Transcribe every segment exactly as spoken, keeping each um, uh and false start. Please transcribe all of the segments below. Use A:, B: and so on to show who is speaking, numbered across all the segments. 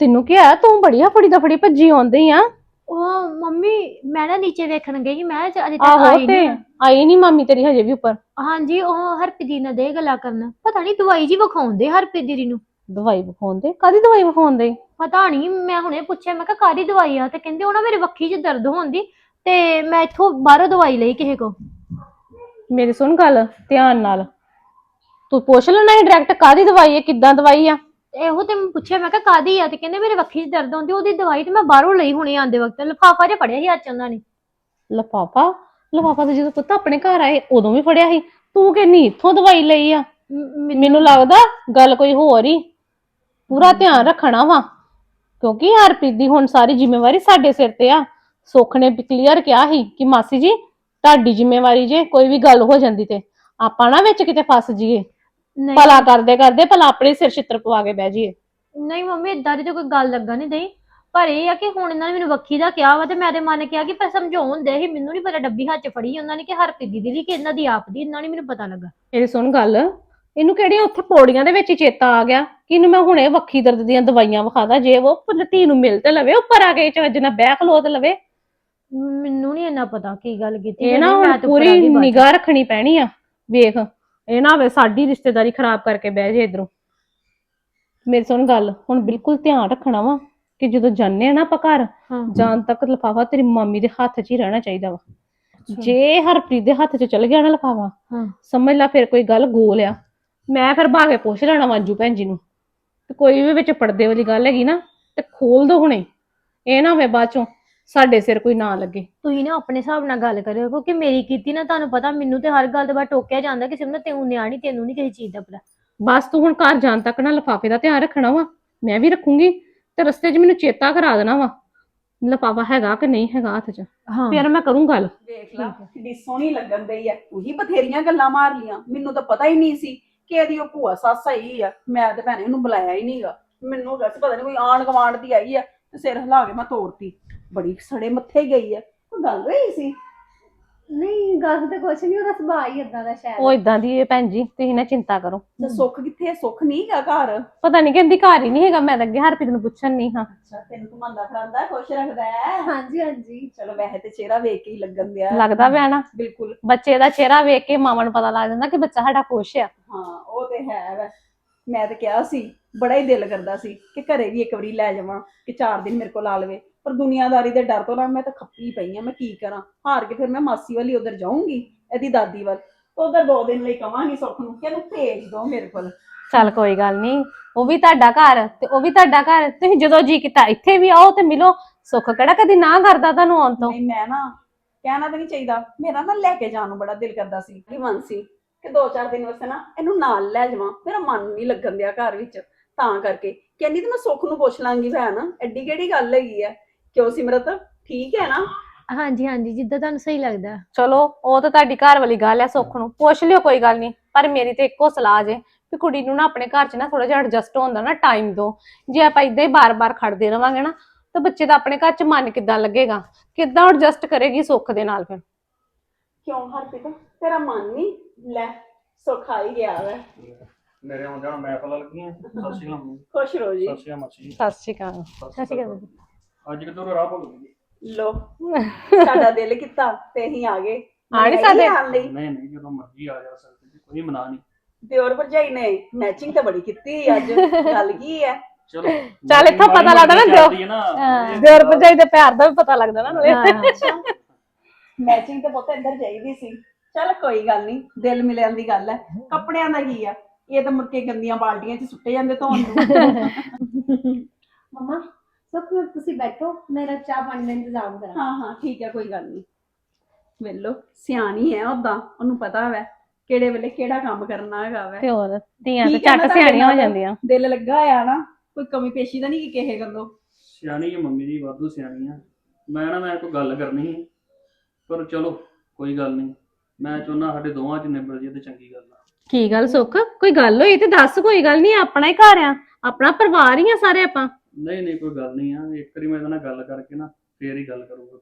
A: ਤੈਨੂੰ ਕੀ ਆ? ਤੂੰ ਬੜੀ ਫੜੀ ਦਫੜੀ ਭੱਜੀ ਆਉਂਦੀ ਆ।
B: ਉਹ ਮੰਮੀ ਮੈਂ ਨਾ ਨੀਚੇ ਵੇਖਣ ਗਈ ਮੈਂ ਕਿਹਾ ਅਜੇ ਤੱਕ
A: ਆਹੋ
B: ਆਈ
A: ਤੇ
B: ਨਹੀਂ।
A: ਆਈ ਨੀ ਮਾਮੀ ਤੇਰੀ ਹਜੇ ਵੀ ਉੱਪਰ।
B: ਹਾਂਜੀ ਉਹ ਹਰਪ੍ਰੀਤ ਦੀ ਨਾਲ ਦੇ ਗੱਲਾਂ ਕਰਨ ਪਤਾ ਨਹੀਂ ਦਵਾਈ ਜੀ ਵਿਖਾਉਂਦੇ ਹਰਪ੍ਰੀਤ ਦੀ ਨੂੰ।
A: ਦਵਾਈ ਵਿਖਾਉਂਦੇ? ਕਾਦੀ ਦਵਾਈ ਵਿਖਾਉਂਦੇ?
B: ਪਤਾ ਨਹੀਂ ਮੈਂ ਹੁਣੇ ਪੁੱਛਿਆ ਮੈਂ ਕਿਹਾ ਕਾਹਦੀ ਦਵਾਈ ਆ ਤੇ ਕਹਿੰਦੇ ਉਹ ਨਾ ਮੇਰੇ ਵੱਖੀ 'ਚ ਦਰਦ ਹੁੰਦੀ ਤੇ ਮੈਂ ਇੱਥੋਂ ਬਾਹਰੋਂ ਦਵਾਈ ਲਈ ਕਿਸੇ ਕੋ।
A: ਮੇਰੀ ਸੁਣ ਗੱਲ ਧਿਆਨ ਨਾਲ, ਤੂੰ ਪੁੱਛ ਲੈਣਾ ਸੀ ਡਾਇਰੈਕਟ ਕਾਦੀ ਦਵਾਈ ਹੈ, ਕਿੱਦਾਂ ਦਵਾਈ ਆ।
B: ਇਹੋ ਤੇ ਮੈਂ ਪੁੱਛਿਆ ਮੈਂ ਕਿਹਾ ਕਾਹਦੀ ਆ ਤੇ ਕਹਿੰਦੇ ਮੇਰੇ ਵੱਖੀ 'ਚ ਦਰਦ ਹੁੰਦੀ ਉਹਦੀ ਦਵਾਈ ਤੇ ਮੈਂ ਬਾਹਰੋਂ ਲਈ ਹੁਣੇ ਆਂਦੇ ਵਕਤ ਲਿਫਾਫਾ ਜਿਹਾ ਫੜਿਆ ਸੀ ਹੱਥ 'ਚ ਉਹਨਾਂ ਨੇ।
A: ਲਿਫਾਫਾ? ਲਿਫਾਫਾ ਤੇ ਜਦੋਂ ਪੁੱਤ ਆਪਣੇ ਘਰ ਆਏ ਉਦੋਂ ਵੀ ਫੜਿਆ ਸੀ, ਤੂੰ ਕਹਿੰਨੀ ਇੱਥੋਂ ਦਵਾਈ ਲਈ ਆ। ਮੈਨੂੰ ਲੱਗਦਾ ਗੱਲ ਕੋਈ ਹੋਰ ਹੀ। ਪੂਰਾ ਧਿਆਨ ਰੱਖਣਾ ਵਾ ਕਿਉਂਕਿ ਹਰਪ੍ਰੀਤ ਦੀ ਹੁਣ ਸਾਰੀ ਜ਼ਿੰਮੇਵਾਰੀ ਸਾਡੇ ਸਿਰ ਤੇ ਆ। ਸੁੱਖ ਨੇ ਕਲੀਅਰ ਕਿਹਾ ਸੀ ਕਿ ਮਾਸੀ ਜੀ ਤੁਹਾਡੀ ਜ਼ਿੰਮੇਵਾਰੀ ਜੇ ਕੋਈ ਵੀ ਗੱਲ ਹੋ ਜਾਂਦੀ ਤੇ ਆਪਾਂ ਨਾ ਵਿੱਚ ਕਿਤੇ ਫਸ ਜਾਈਏ। ਭਲਾ ਕਰਦੇ ਕਰਦੇ ਭਲਾ ਆਪਣੇ ਸਿਰ ਛਿੱਤਰ ਪਵਾ ਕੇ ਬਹਿ ਜਾਈਏ।
B: ਨਹੀਂ ਮੰਮੀ ਏਦਾਂ ਦੀ ਤਾਂ ਕੋਈ ਗੱਲ ਲੱਗਾ ਨਹੀਂ ਦਈ ਪਰ ਇਹ ਆ ਕਿ ਹੁਣ ਇਹਨਾਂ ਨੇ ਮੈਨੂੰ ਵੱਖੀ ਦਾ ਕਿਹਾ ਵਾ ਤੇ ਮੈਂ ਤੇ ਮਨ ਕਿਹਾ ਕਿ ਪਰ ਸਮਝਾਉਣ ਦੇ ਹੀ ਮੈਨੂੰ ਨਹੀਂ ਪਤਾ ਡੱਬੀ ਹੱਥ 'ਚ ਫੜੀ ਉਹਨਾਂ ਨੇ ਕਿ ਹਰਪ੍ਰੀਤ ਦੀ ਦੀ ਕਿ ਇਹਨਾਂ ਦੀ ਆਪ ਦੀ ਇਹਨਾਂ ਨੇ ਮੈਨੂੰ ਪਤਾ ਲੱਗਾ।
A: ਮੇਰੀ ਸੁਣ ਗੱਲ, ਇਹਨੂੰ ਕਿਹੜੀਆਂ ਉੱਥੇ ਪੌੜੀਆਂ ਦੇ ਵਿੱਚ ਹੀ ਚੇਤਾ ਆ ਗਿਆ ਕਿ ਇਹਨੂੰ ਮੈਂ ਹੁਣੇ ਵੱਖੀ ਦਰਦ ਦੀਆਂ ਦਵਾਈਆਂ ਵਿਖਾਦਾ ਜੇ ਉਹ ਧੀ ਨੂੰ ਮਿਲ ਤੇ ਲਵੇ ਉੱਪਰ ਆ ਕੇ ਚੱਜ ਨਾਲ ਬਹਿ ਖਲੋ ਤੇ ਲਵੇ।
B: ਮੈਨੂੰ ਨਹੀਂ ਇੰਨਾ ਪਤਾ ਕੀ ਗੱਲ ਕੀਤੀ
A: ਇਹ ਨਾ ਹੁਣ ਪੂਰੀ ਨਿਗਾਹ ਰੱਖਣੀ ਪੈਣੀ ਆ। ਵੇਖ ਇਹ ਨਾ ਹੋਵੇ ਸਾਡੀ ਰਿਸ਼ਤੇਦਾਰੀ ਖਰਾਬ ਕਰਕੇ ਬਹਿ ਜੇ ਇਧਰੋਂ। ਮੇਰੀ ਸੁਣ ਗੱਲ, ਹੁਣ ਬਿਲਕੁਲ ਧਿਆਨ ਰੱਖਣਾ ਵਾ ਕਿ ਜਦੋਂ ਜਾਂਦੇ ਆ ਨਾ ਆਪਾਂ ਘਰ ਜਾਣ ਤੱਕ ਲਿਫਾਫਾ ਤੇਰੀ ਮਾਮੀ ਦੇ ਹੱਥ 'ਚ ਹੀ ਰਹਿਣਾ ਚਾਹੀਦਾ ਵਾ। ਜੇ ਹਰਪ੍ਰੀਤ ਦੇ ਹੱਥ 'ਚ ਚਲ ਗਿਆ ਨਾ ਲਿਫਾਫਾ ਸਮਝ ਲੈ ਫਿਰ ਕੋਈ ਗੱਲ ਗੋਲ ਆ। ਮੈਂ ਫਿਰ ਭਾਗੇ ਪੁੱਛ ਲੈਣਾ ਵਾਂਜੂ ਭੈਣ ਜੀ ਨੂੰ ਤੇ ਕੋਈ ਵੀ ਵਿੱਚ ਪੜਦੇ ਵਾਲੀ ਗੱਲ ਹੈਗੀ ਨਾ ਤੇ ਖੋਲ ਦੋ ਹੁਣੇ। ਇਹ ਨਾ ਹੋਵੇ ਬਾਅਦ ਚੋਂ ਸਾਡੇ ਸਿਰ ਕੋਈ ਨਾ ਲੱਗੇ।
B: ਤੁਸੀਂ ਨਾ ਆਪਣੇ ਹਿਸਾਬ ਨਾਲ ਗੱਲ ਕਰਿਓ ਕਿਉਂਕਿ ਮੇਰੀ ਕੀਤੀ ਨਾ ਤੁਹਾਨੂੰ ਪਤਾ ਮੈਨੂੰ ਤੇ ਹਰ ਗੱਲ ਦੇ ਬਾਅਦ ਟੋਕਿਆ ਜਾਂਦਾ ਕਿ ਸਿਮਰਨ ਤੈਨੂੰ ਨਿਆਣੀ ਤੈਨੂੰ ਨਹੀਂ ਕਿਸੇ ਚੀਜ਼ ਦਾ ਪਤਾ।
A: ਬਸ ਤੂੰ ਹੁਣ ਘਰ ਜਾਣ ਤੱਕ ਨਾ ਲਿਫਾਫੇ ਦਾ ਧਿਆਨ ਰੱਖਣਾ ਵਾ। ਮੈਂ ਵੀ ਰੱਖੂੰਗੀ ਤੇ ਰਸਤੇ 'ਚ ਮੈਨੂੰ ਚੇਤਾ ਕਰਾ ਦੇਣਾ ਵਾ ਲਿਫਾਫਾ ਹੈਗਾ ਕਿ ਨਹੀਂ ਹੈਗਾ ਹੱਥ 'ਚ। ਫਿਰ ਮੈਂ ਕਰੂੰ ਗੱਲ।
C: ਦੇਖ ਲਾ ਕਿੱਡੀ ਸੋਹਣੀ ਲੱਗਣ ਦਈ ਆ। ਉਹੀ ਬਥੇਰੀਆਂ ਗੱਲਾਂ ਮਾਰ ਲੀਆਂ, ਮੈਨੂੰ ਤਾਂ ਪਤਾ ਹੀ ਨਹੀਂ ਸੀ ਕਿ ਇਹਦੀ ਉਹ ਭੂਆ ਸੱਸ ਆਈ ਆ। ਮੈਂ ਤੇ ਭੈਣੇ ਉਹਨੂੰ ਬੁਲਾਇਆ ਹੀ ਨਹੀਂਗਾ। ਮੈਨੂੰ ਵੈਸੇ ਪਤਾ ਨਹੀਂ ਕੋਈ ਆਂਢ ਗੁਆਂਢ ਦੀ ਆਈ ਆ ਤੇ ਸਿਰ ਹਿਲਾ ਕੇ ਮੈਂ ਤੋਰਤੀ। ਬੜੀ ਸੜੇ ਮੱਥੇ ਗਈ ਆ। ਕੋਈ ਗੱਲ ਹੋਈ ਸੀ?
B: ਨਹੀਂ ਗੱਲ ਤੇ ਕੁਛ ਨਹੀਂ ਉਹਦਾ ਸੁਭਾਅ ਹੀ ਇਦਾਂ ਦਾ ਸ਼ਾਇਦ।
A: ਉਹ ਇਦਾਂ ਦੀ ਹੈ ਭੈਣ ਜੀ, ਤੁਸੀਂ ਨਾ ਚਿੰਤਾ ਕਰੋ।
C: ਤੇ ਸੁੱਖ ਕਿੱਥੇ? ਸੁੱਖ ਨਹੀਂ ਹੈਗਾ ਘਰ।
A: ਪਤਾ ਨਹੀਂ ਕਹਿੰਦੀ ਘਰ ਹੀ ਨਹੀਂ ਹੈਗਾ। ਮੈਂ ਤਾਂ ਅੱਗੇ ਹਰਪ੍ਰੀਤ ਨੂੰ ਪੁੱਛਣ ਨਹੀਂ ਹਾਂ।
C: ਅੱਛਾ ਤੈਨੂੰ ਘੁਮਾਉਂਦਾ ਫਿਰਾਂਦਾ ਖੁਸ਼ ਰੱਖਦਾ ਹੈ?
B: ਹਾਂਜੀ ਹਾਂਜੀ
C: ਚਲੋ ਵੈਸੇ ਤੇ ਚਿਹਰਾ ਵੇਖ ਕੇ ਹੀ ਲੱਗਣ ਦਿਆ
A: ਲੱਗਦਾ ਪਿਆ ਨਾ।
C: ਬਿਲਕੁਲ
A: ਬੱਚੇ ਦਾ ਚਿਹਰਾ ਵੇਖ ਕੇ ਮਾਵਾਂ ਨੂੰ ਪਤਾ ਲੱਗ ਜਾਂਦਾ ਕਿ ਬੱਚਾ ਸਾਡਾ ਖੁਸ਼ ਆ।
C: ਹਾਂ ਉਹ ਤੇ ਹੈ ਵੈ। ਮੈਂ ਤੇ ਕਿਹਾ ਸੀ ਬੜਾ ਹੀ ਦਿਲ ਕਰਦਾ ਸੀ ਕਿ ਘਰੇ ਵੀ ਇੱਕ ਵਾਰੀ ਲੈ ਜਾਵਾਂ ਕਿ ਚਾਰ ਦਿਨ ਮੇਰੇ ਕੋਲ ਲਾ ਲਵੇ ਪਰ ਦੁਨੀਆਦਾਰੀ ਦੇ ਡਰ ਤੋਂ ਨਾ ਮੈਂ ਤਾਂ ਖੱਪੀ ਪਈ ਆ। ਮੈਂ ਕੀ ਕਰਾਂ? ਹਾਰ ਕੇ ਫਿਰ ਮੈਂ ਮਾਸੀ ਵਾਲੀ ਉਧਰ ਜਾਊਂਗੀ ਇਹਦੀ ਦਾਦੀ ਵੱਲ ਉਧਰ ਦੋ ਦਿਨ ਲਈ ਕਵਾਂਗੀ ਸੁੱਖ ਨੂੰ ਕਿ ਇਹਨੂੰ ਭੇਜ ਦੋ ਮੇਰੇ ਕੋਲ।
A: ਚੱਲ ਕੋਈ ਗੱਲ ਨਹੀਂ, ਉਹ ਵੀ ਤੁਹਾਡਾ ਘਰ ਤੇ ਉਹ ਵੀ ਤੁਹਾਡਾ ਘਰ। ਤੁਸੀਂ ਜਦੋਂ ਜੀ ਕੀਤਾ ਇੱਥੇ ਵੀ ਆਓ ਤੇ ਮਿਲੋ। ਸੁੱਖ ਕਿਹੜਾ ਕਦੀ ਨਾ ਕਰਦਾ ਤੁਹਾਨੂੰ ਆਉਣ ਤੋਂ।
C: ਨਹੀਂ ਮੈਂ ਨਾ ਕਹਿਣਾ ਤਾਂ ਨਹੀਂ ਚਾਹੀਦਾ, ਮੇਰਾ ਨਾ ਲੈ ਕੇ ਜਾਣ ਨੂੰ ਬੜਾ ਦਿਲ ਕਰਦਾ ਸੀ। ਕੀ ਮਨ ਸੀ ਕਿ ਦੋ ਚਾਰ ਦਿਨ ਵਾਸਤੇ ਨਾ ਇਹਨੂੰ ਨਾਲ ਲੈ ਜਾਵਾਂ। ਮੇਰਾ ਮਨ ਨਹੀਂ ਲੱਗਣ ਦਿਆ ਘਰ ਵਿੱਚ ਤਾਂ ਕਰਕੇ ਕਹਿੰਦੀ ਤੇ ਮੈਂ ਸੁੱਖ ਨੂੰ ਪੁੱਛ ਲਾਂਗੀ ਭੈਣ ਐਡੀ ਕਿਹੜੀ ਗੱਲ ਹੈਗੀ ਆ। ਕਿਉਂ ਸਿਮਰਤ ਠੀਕ ਹੈ ਨਾ?
B: ਹਾਂਜੀ ਹਾਂਜੀ ਜਿੱਦਾਂ ਤੁਹਾਨੂੰ ਸਹੀ ਲੱਗਦਾ।
A: ਚਲੋ ਉਹ ਤਾਂ ਤੁਹਾਡੀ ਘਰ ਵਾਲੀ ਗੱਲ ਹੈ, ਸੁੱਖ ਨੂੰ ਪੁੱਛ ਲਿਓ ਕੋਈ ਗੱਲ ਨਹੀਂ। ਪਰ ਮੇਰੀ ਤੇ ਇੱਕੋ ਸਲਾਹ ਜੇ ਵੀ ਕੁੜੀ ਨੂੰ ਨਾ ਆਪਣੇ ਘਰ 'ਚ ਨਾ ਥੋੜਾ ਜਿਹਾ ਐਡਜਸਟ ਹੁੰਦਾ ਨਾ ਟਾਈਮ ਦੋ। ਜੇ ਆਪਾਂ ਇਦਾਂ ਹੀ ਬਾਰ-ਬਾਰ ਖੜਦੇ ਰਵਾਂਗੇ ਨਾ ਤਾਂ ਬੱਚੇ ਦਾ ਆਪਣੇ ਘਰ 'ਚ ਮਨ ਕਿੱਦਾਂ ਲੱਗੇਗਾ, ਕਿੱਦਾਂ ਐਡਜਸਟ ਕਰੇਗੀ ਸੁੱਖ ਦੇ ਨਾਲ। ਫਿਰ
C: ਕਿਉਂ ਹਰਪ੍ਰੀਤ ਤੇਰਾ ਮਨ ਨਹੀਂ? ਲੈ ਸੁੱਖ ਆ ਹੀ ਗਿਆ ਵੈ।
D: ਮੇਰੇ ਆਉਣ ਜਾਣ ਮੈਂ ਪਤਾ ਲੱਗੀਆਂ। ਸਤਿ ਸ਼੍ਰੀ ਅਕਾਲ।
C: ਖੁਸ਼ ਰਹੋ ਜੀ।
D: ਸਤਿ ਸ਼੍ਰੀ ਅਕਾਲ ਮਾਸੀ ਜੀ।
A: ਸਤਿ ਸ਼੍ਰੀ ਅਕਾਲ। ਸਤਿ ਸ਼੍ਰੀ ਅਕਾਲ।
D: ਅੱਜ ਕਿਤੋਂ ਰਾਹ ਭੁੱਲ ਗਈ?
C: ਲੋ ਸਾਡਾ ਦਿਲ ਕੀਤਾ ਤੇ ਅਸੀਂ ਆ ਗਏ।
A: ਆ ਨਹੀਂ ਸਾਡੇ?
D: ਨਹੀਂ ਨਹੀਂ ਜਦੋਂ ਮਰਜ਼ੀ ਆ ਜਾ ਸਕਦੇ ਜੀ, ਕੋਈ ਮਨਾ ਨਹੀਂ।
C: ਦਿਓਰ ਭਰਜਾਈ ਨੇ ਮੈਚਿੰਗ ਤਾਂ ਬੜੀ ਕੀਤੀ ਅੱਜ। ਗੱਲ ਕੀ ਹੈ?
D: ਚਲੋ
A: ਚੱਲ ਇੱਥੋਂ ਪਤਾ ਲੱਗਦਾ ਨਾ ਦਿਓ ਦਿਓਰ ਭਰਜਾਈ ਦੇ ਪਿਆਰ ਦਾ ਵੀ ਪਤਾ ਲੱਗਦਾ ਨਾ ਨਾਲੇ।
C: ਮੈਚਿੰਗ ਤਾਂ ਬਹੁਤ ਅੰਦਰ ਚਾਹੀਦੀ ਸੀ। ਚੱਲ ਕੋਈ ਗੱਲ ਨਹੀਂ, ਦਿਲ ਮਿਲਿਆਂ ਦੀ ਗੱਲ ਹੈ। ਕੱਪੜਿਆਂ ਦਾ ਕੀ ਆ, ਇਹ ਤਾਂ ਮੁੜ ਕੇ ਗੰਦੀਆਂ ਬਾਲਟੀਆਂ 'ਚ ਸੁੱਟੇ ਜਾਂਦੇ ਧੋਣ ਨੂੰ।
B: ਮਮਾ ਸੁੱਖ ਨੂੰ ਤੁਸੀਂ ਬੈਠੋ ਮੇਰਾ ਚਾਹ ਪਾਣੀ ਦਾ ਇੰਤਜ਼ਾਮ ਕਰਾਂ।
C: ਹਾਂ ਹਾਂ ਠੀਕ ਹੈ ਕੋਈ ਗੱਲ ਨਹੀਂ। ਵੇਲੋ ਸਿਆਣੀ ਹੈ ਉਦਾਂ, ਉਹਨੂੰ ਪਤਾ ਵੈ ਕਿਹੜੇ ਵੇਲੇ ਕਿਹੜਾ ਕੰਮ ਕਰਨਾ ਹੈਗਾ ਵੈ।
A: ਤੇ ਹੋਰ ਧੀਆਂ ਤੇ ਝੱਟ ਸਿਆਣੀਆਂ ਹੋ ਜਾਂਦੀਆਂ।
C: ਦਿਲ ਲੱਗਾ ਆ ਨਾ, ਕੋਈ ਕਮੀ ਪੇਸ਼ੀ ਤਾਂ ਨਹੀਂ ਕਿਸੇ ਗੱਲੋਂ।
D: ਸਿਆਣੀ ਹੈ ਮੰਮੀ ਜੀ, ਵਾਧੂ ਸਿਆਣੀ ਆ। ਮੈਂ ਨਾ ਮੈਂ ਕੋਈ ਗੱਲ ਕਰਨੀ ਸੀ ਪਰ ਚਲੋ ਕੋਈ ਗੱਲ ਨਹੀਂ। ਮੈਂ ਚਾਹੁੰਦਾ ਸਾਡੇ ਦੋਵਾਂ 'ਚ ਨਿਬੜ ਜੇ ਤੇ ਚੰਗੀ ਗੱਲ ਆ।
A: ਕੀ ਗੱਲ ਸੁੱਖ? ਕੋਈ ਗੱਲ ਹੋਈ ਤੇ ਦੱਸ। ਕੋਈ ਗੱਲ ਨਹੀਂ, ਆਪਣਾ ਹੀ ਘਰ ਆ, ਆਪਣਾ ਪਰਿਵਾਰ ਹੀ ਆ ਸਾਰੇ ਆਪਾਂ।
D: ਨਹੀਂ ਨਹੀਂ ਕੋਈ ਗੱਲ ਨਹੀਂ ਆ। ਇੱਕ ਵਾਰੀ ਮੈਂ ਇਹਦੇ ਨਾਲ ਗੱਲ ਕਰਕੇ ਨਾ ਫੇਰ ਹੀ ਗੱਲ ਕਰੂੰਗਾ।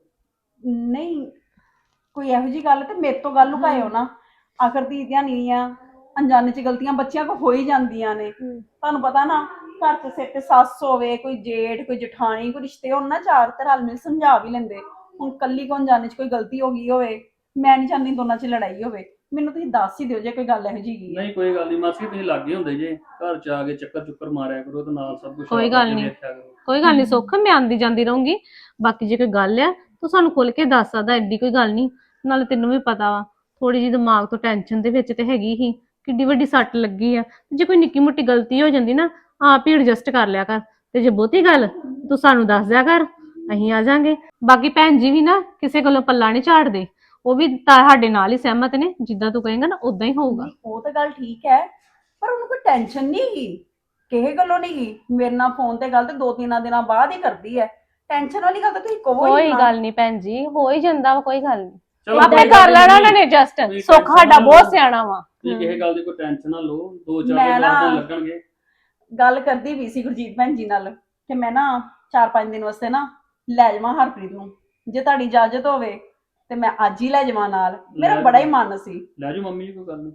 C: ਨਹੀਂ ਕੋਈ ਇਹੋ ਜਿਹੀ ਗੱਲ ਤੇ ਮੇਰੇ ਤੋਂ ਗੱਲ ਲੁਕਾਇਓ ਨਾ। ਆਖਰ ਦੀਦੀਆਂ ਨਹੀਂ ਆ, ਅਣਜਾਣੇ ਚ ਗਲਤੀਆਂ ਬੱਚਿਆਂ ਕੋ ਹੋ ਹੀ ਜਾਂਦੀਆਂ ਨੇ। ਤੁਹਾਨੂੰ ਪਤਾ ਨਾ, ਘਰ ਚ ਸਿਰ ਤੇ ਸੱਸ ਹੋਵੇ, ਕੋਈ ਜੇਠ, ਕੋਈ ਜਠਾਣੀ, ਕੋਈ ਰਿਸ਼ਤੇ ਹੋਣ ਨਾ ਚਾਰ, ਤੇ ਰਲ ਮਿਲ ਸਮਝਾ ਵੀ ਲੈਂਦੇ। ਹੁਣ ਕੱਲੀ ਕੋ ਅਣਜਾਣੇ ਚ ਕੋਈ ਗਲਤੀ ਹੋ ਗਈ ਹੋਵੇ, ਮੈਂ ਨਹੀਂ ਚਾਹੁੰਦੀ ਦੋਨਾਂ ਚ ਲੜਾਈ ਹੋਵੇ। ਮੈਨੂੰ ਤੁਸੀਂ ਦੱਸ ਹੀ ਦਿਓ ਜੇ ਕੋਈ ਗੱਲ ਇਹੋ ਜਿਹੀ ਹੈਗੀ ਹੈ।
D: ਨਹੀਂ ਕੋਈ ਗੱਲ ਨਹੀਂ ਮਾਸੀ, ਤੁਸੀਂ ਲਾਗੇ ਹੁੰਦੇ ਜੇ, ਘਰ ਚ ਆ ਕੇ ਚੱਕਰ ਚੁੱਕਰ ਮਾਰਿਆ ਕਰੋ ਤੇ ਨਾਲ ਸਭ ਕੁਝ
A: ਕੋਈ ਗੱਲ ਨੀ। ਕੋਈ ਗੱਲ ਨਹੀਂ ਸੁੱਖ, ਮੈਂ ਆਂਦੀ ਜਾਂਦੀ ਰਹੂੰਗੀ। ਬਾਕੀ ਜੇ ਕੋਈ ਗੱਲ ਆ ਤੂੰ ਸਾਨੂੰ ਖੁੱਲ ਕੇ ਦੱਸ ਸਕਦਾ, ਐਡੀ ਕੋਈ ਗੱਲ ਨਹੀਂ। ਨਾਲੇ ਤੈਨੂੰ ਵੀ ਪਤਾ ਵਾ, ਥੋੜੀ ਜਿਹੀ ਦਿਮਾਗ ਤੋਂ ਟੈਨਸ਼ਨ ਦੇ ਵਿੱਚ ਤੇ ਹੈਗੀ ਹੀ, ਕਿੱਡੀ ਵੱਡੀ ਸੱਟ ਲੱਗੀ ਆ। ਜੇ ਕੋਈ ਨਿੱਕੀ ਮੋਟੀ ਗਲਤੀ ਹੋ ਜਾਂਦੀ ਨਾ, ਆਪ ਹੀ ਐਡਜਸਟ ਕਰ ਲਿਆ ਕਰ। ਤੇ ਜੇ ਬਹੁਤੀ ਗੱਲ ਤੂੰ ਸਾਨੂੰ ਦੱਸ ਦਿਆ ਕਰ, ਅਸੀਂ ਆ ਜਾਾਂਗੇ। ਬਾਕੀ ਭੈਣ ਜੀ ਵੀ ਨਾ ਕਿਸੇ ਕੋਲੋਂ ਪੱਲਾ ਨਹੀਂ ਝਾੜਦੇ, ਉਹ ਵੀ ਤੁਹਾਡੇ ਨਾਲ ਹੀ ਸਹਿਮਤ ਨੇ। ਜਿੱਦਾਂ ਤੂੰ ਕਹੇਂਗਾ ਨਾ ਉਦਾਂ ਹੀ ਹੋਊਗਾ।
C: ਨਹੀਂ, ਉਹ ਤਾਂ ਗੱਲ ਠੀਕ ਹੈ, ਪਰ ਉਹਨੂੰ ਕੋਈ ਟੈਨਸ਼ਨ ਨਹੀਂ ਹੈਗੀ, ਕਿਸੇ ਗੱਲੋਂ ਨਹੀਂ ਗਈ। ਮੇਰੇ ਨਾਲ ਫੋਨ ਤੇ ਗੱਲ ਤੇ ਦੋ ਤਿੰਨ ਦਿਨਾਂ ਬਾਅਦ ਹੀ ਕਰਦੀ ਹੈ। ਟੈਨਸ਼ਨ ਵਾਲੀ ਗੱਲ ਤਾਂ ਤੁਸੀਂ ਕਹੋ ਹੀ
A: ਕੋਈ
C: ਨਾ।
A: ਗੱਲ ਨਹੀਂ ਭੈਣ ਜੀ, ਹੋ ਹੀ ਜਾਂਦਾ ਵਾ, ਕੋਈ ਗੱਲ ਨਹੀਂ।
D: ਚਲੋ
A: ਆਪੇ
D: ਕੋਈ
A: ਕਰ
D: ਗੱਲ
A: ਲੈਣਾ
D: ਨੀ।
A: ਉਹਨਾਂ ਨੇ ਐਡਜਸਟ।
D: ਤੁਸੀਂ
A: ਸੁੱਖ
D: tension
A: ਸਾਡਾ
D: ਨਾ
A: ਬਹੁਤ
D: ਲਓ।
A: ਸਿਆਣਾ ਵਾ।
D: ਤੁਸੀਂ ਕਿਸੇ ਗੱਲ ਦੀ ਕੋਈ ਟੈਨਸ਼ਨ ਨਾ ਲਓ, ਦੋ ਚਾਰ
C: ਮੈਂ
D: ਦਿਨ
C: ਨਾ-
D: ਦਿਨ ਲੱਗਣਗੇ।
C: ਗੱਲ ਕਰਦੀ ਵੀ ਸੀ ਗੁਰਜੀਤ ਭੈਣ ਜੀ ਨਾਲ ਕਿ ਮੈਂ ਨਾ ਚਾਰ ਪੰਜ ਦਿਨ ਵਾਸਤੇ ਨਾ ਲੈ ਜਾਵਾਂ ਹਰਪ੍ਰੀਤ ਨੂੰ। ਜੇ ਤੁਹਾਡੀ ਇਜਾਜ਼ਤ ਹੋਵੇ ਤੇ ਮੈਂ ਅੱਜ ਹੀ ਲੈ ਜਾਵਾਂ ਨਾਲ। ਮੇਰਾ
D: ਲੈ
C: ਬੜਾ ਹੀ
D: ਜਾਵਾਂ।
C: ਮਨ ਸੀ।
D: ਲੈ ਜਾਓ ਮੰਮੀ ਜੀ, ਕੋਈ ਗੱਲ ਨਹੀਂ।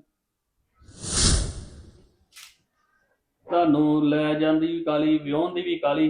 D: ਤੁਹਾਨੂੰ ਲੈ ਜਾਂਦੀ ਵੀ ਕਾਲੀ, ਵਿਆਹੁਣ ਦੀ ਵੀ ਕਾਲੀ।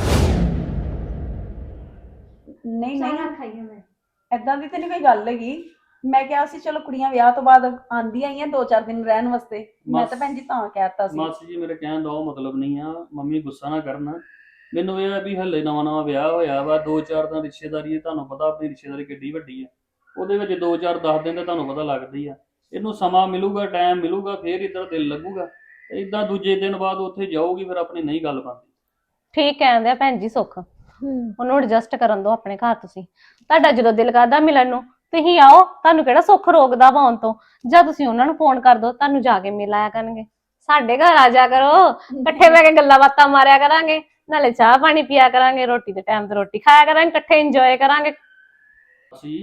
C: ਨਹੀਂ ਨਹੀਂ,
B: ਖਾਈਆਂ ਮੈਂ
C: ਏਦਾਂ ਦੀ ਤੇ ਨਹੀਂ ਕੋਈ ਗੱਲ ਹੈਗੀ। ਮੈਂ ਕਿਹਾ ਸੀ ਚਲੋ ਕੁੜੀਆਂ ਵਿਆਹ ਤੋਂ ਬਾਅਦ ਆਂਦੀਆਂ ਹੀ ਆ ਦੋ ਚਾਰ ਦਿਨ ਰਹਿਣ ਵਾਸਤੇ। ਮੈਂ ਤਾਂ ਭੈਣ ਜੀ ਤਾਂ ਕਹਿਤਾ ਸੀ।
D: ਮਾਸੀ ਜੀ ਮੇਰੇ ਕਹਿਣ ਦਾ ਉਹ ਮਤਲਬ ਨਹੀਂ ਆ, ਮੰਮੀ ਗੁੱਸਾ ਨਾ ਕਰਨ। ਮੈਨੂੰ ਇਹ ਆ ਵੀ ਹਲੇ ਨਵਾਂ ਨਵਾਂ ਵਿਆਹ ਹੋਇਆ ਵਾ, ਦੋ ਚਾਰ ਦਿਨ ਰਿਸ਼ਤੇਦਾਰੀ ਹੈ, ਤੁਹਾਨੂੰ ਪਤਾ ਆਪਣੀ ਰਿਸ਼ਤੇਦਾਰੀ ਕਿੱਡੀ ਵੱਡੀ ਆ। ਉਹਦੇ ਵਿੱਚ ਦੋ ਚਾਰ ਦਸ ਦਿਨ ਤਾਂ ਤੁਹਾਨੂੰ ਪਤਾ ਲੱਗਦੀ ਆ। ਇਹਨੂੰ ਸਮਾਂ ਮਿਲੂਗਾ, ਟਾਈਮ ਮਿਲੂਗਾ, ਫੇਰ ਇੱਧਰ ਦਿਲ ਲੱਗੂਗਾ। ਇਦਾਂ ਦੂਜੇ ਦਿਨ ਬਾਅਦ ਉੱਥੇ ਜਾਊਗੀ, ਫਿਰ ਆਪਣੀ ਨਹੀਂ ਗੱਲ ਬਣਦੀ।
A: ਠੀਕ ਕਹਿੰਦੇ ਆ ਭੈਣ ਜੀ ਸੁੱਖ, ਉਹਨੂੰ ਐਡਜਸਟ ਕਰਨ ਦਿਓ ਆਪਣੇ ਘਰ। ਤੁਸੀਂ ਤੁਹਾਡਾ ਜਦੋਂ ਦਿਲ ਕਰਦਾ ਮਿਲਣ ਨੂੰ ਤੁਸੀਂ ਆਓ, ਤੁਹਾਨੂੰ ਕਿਹੜਾ ਸੁੱਖ ਰੋਕਦਾ ਵਾ ਆਉਣ ਤੋਂ। ਜਾਂ ਤੁਸੀਂ ਉਹਨਾਂ ਨੂੰ ਫੋਨ ਕਰ ਦਿਓ, ਤੁਹਾਨੂੰ ਜਾ ਕੇ ਮਿਲ ਆਇਆ ਕਰਨਗੇ। ਸਾਡੇ ਘਰ ਆ ਜਾ ਕਰੋ, ਇਕੱਠੇ ਬਹਿ ਕੇ ਗੱਲਾਂ ਬਾਤਾਂ ਮਾਰਿਆ ਕਰਾਂਗੇ, ਨਾਲੇ ਚਾਹ ਪਾਣੀ ਪੀਆ ਕਰਾਂਗੇ, ਰੋਟੀ ਦੇ ਟਾਈਮ ਤੇ ਰੋਟੀ ਖਾਇਆ ਕਰਾਂਗੇ, ਇਕੱਠੇ ਇੰਜੋਏ ਕਰਾਂਗੇ।
D: ਅਸੀਂ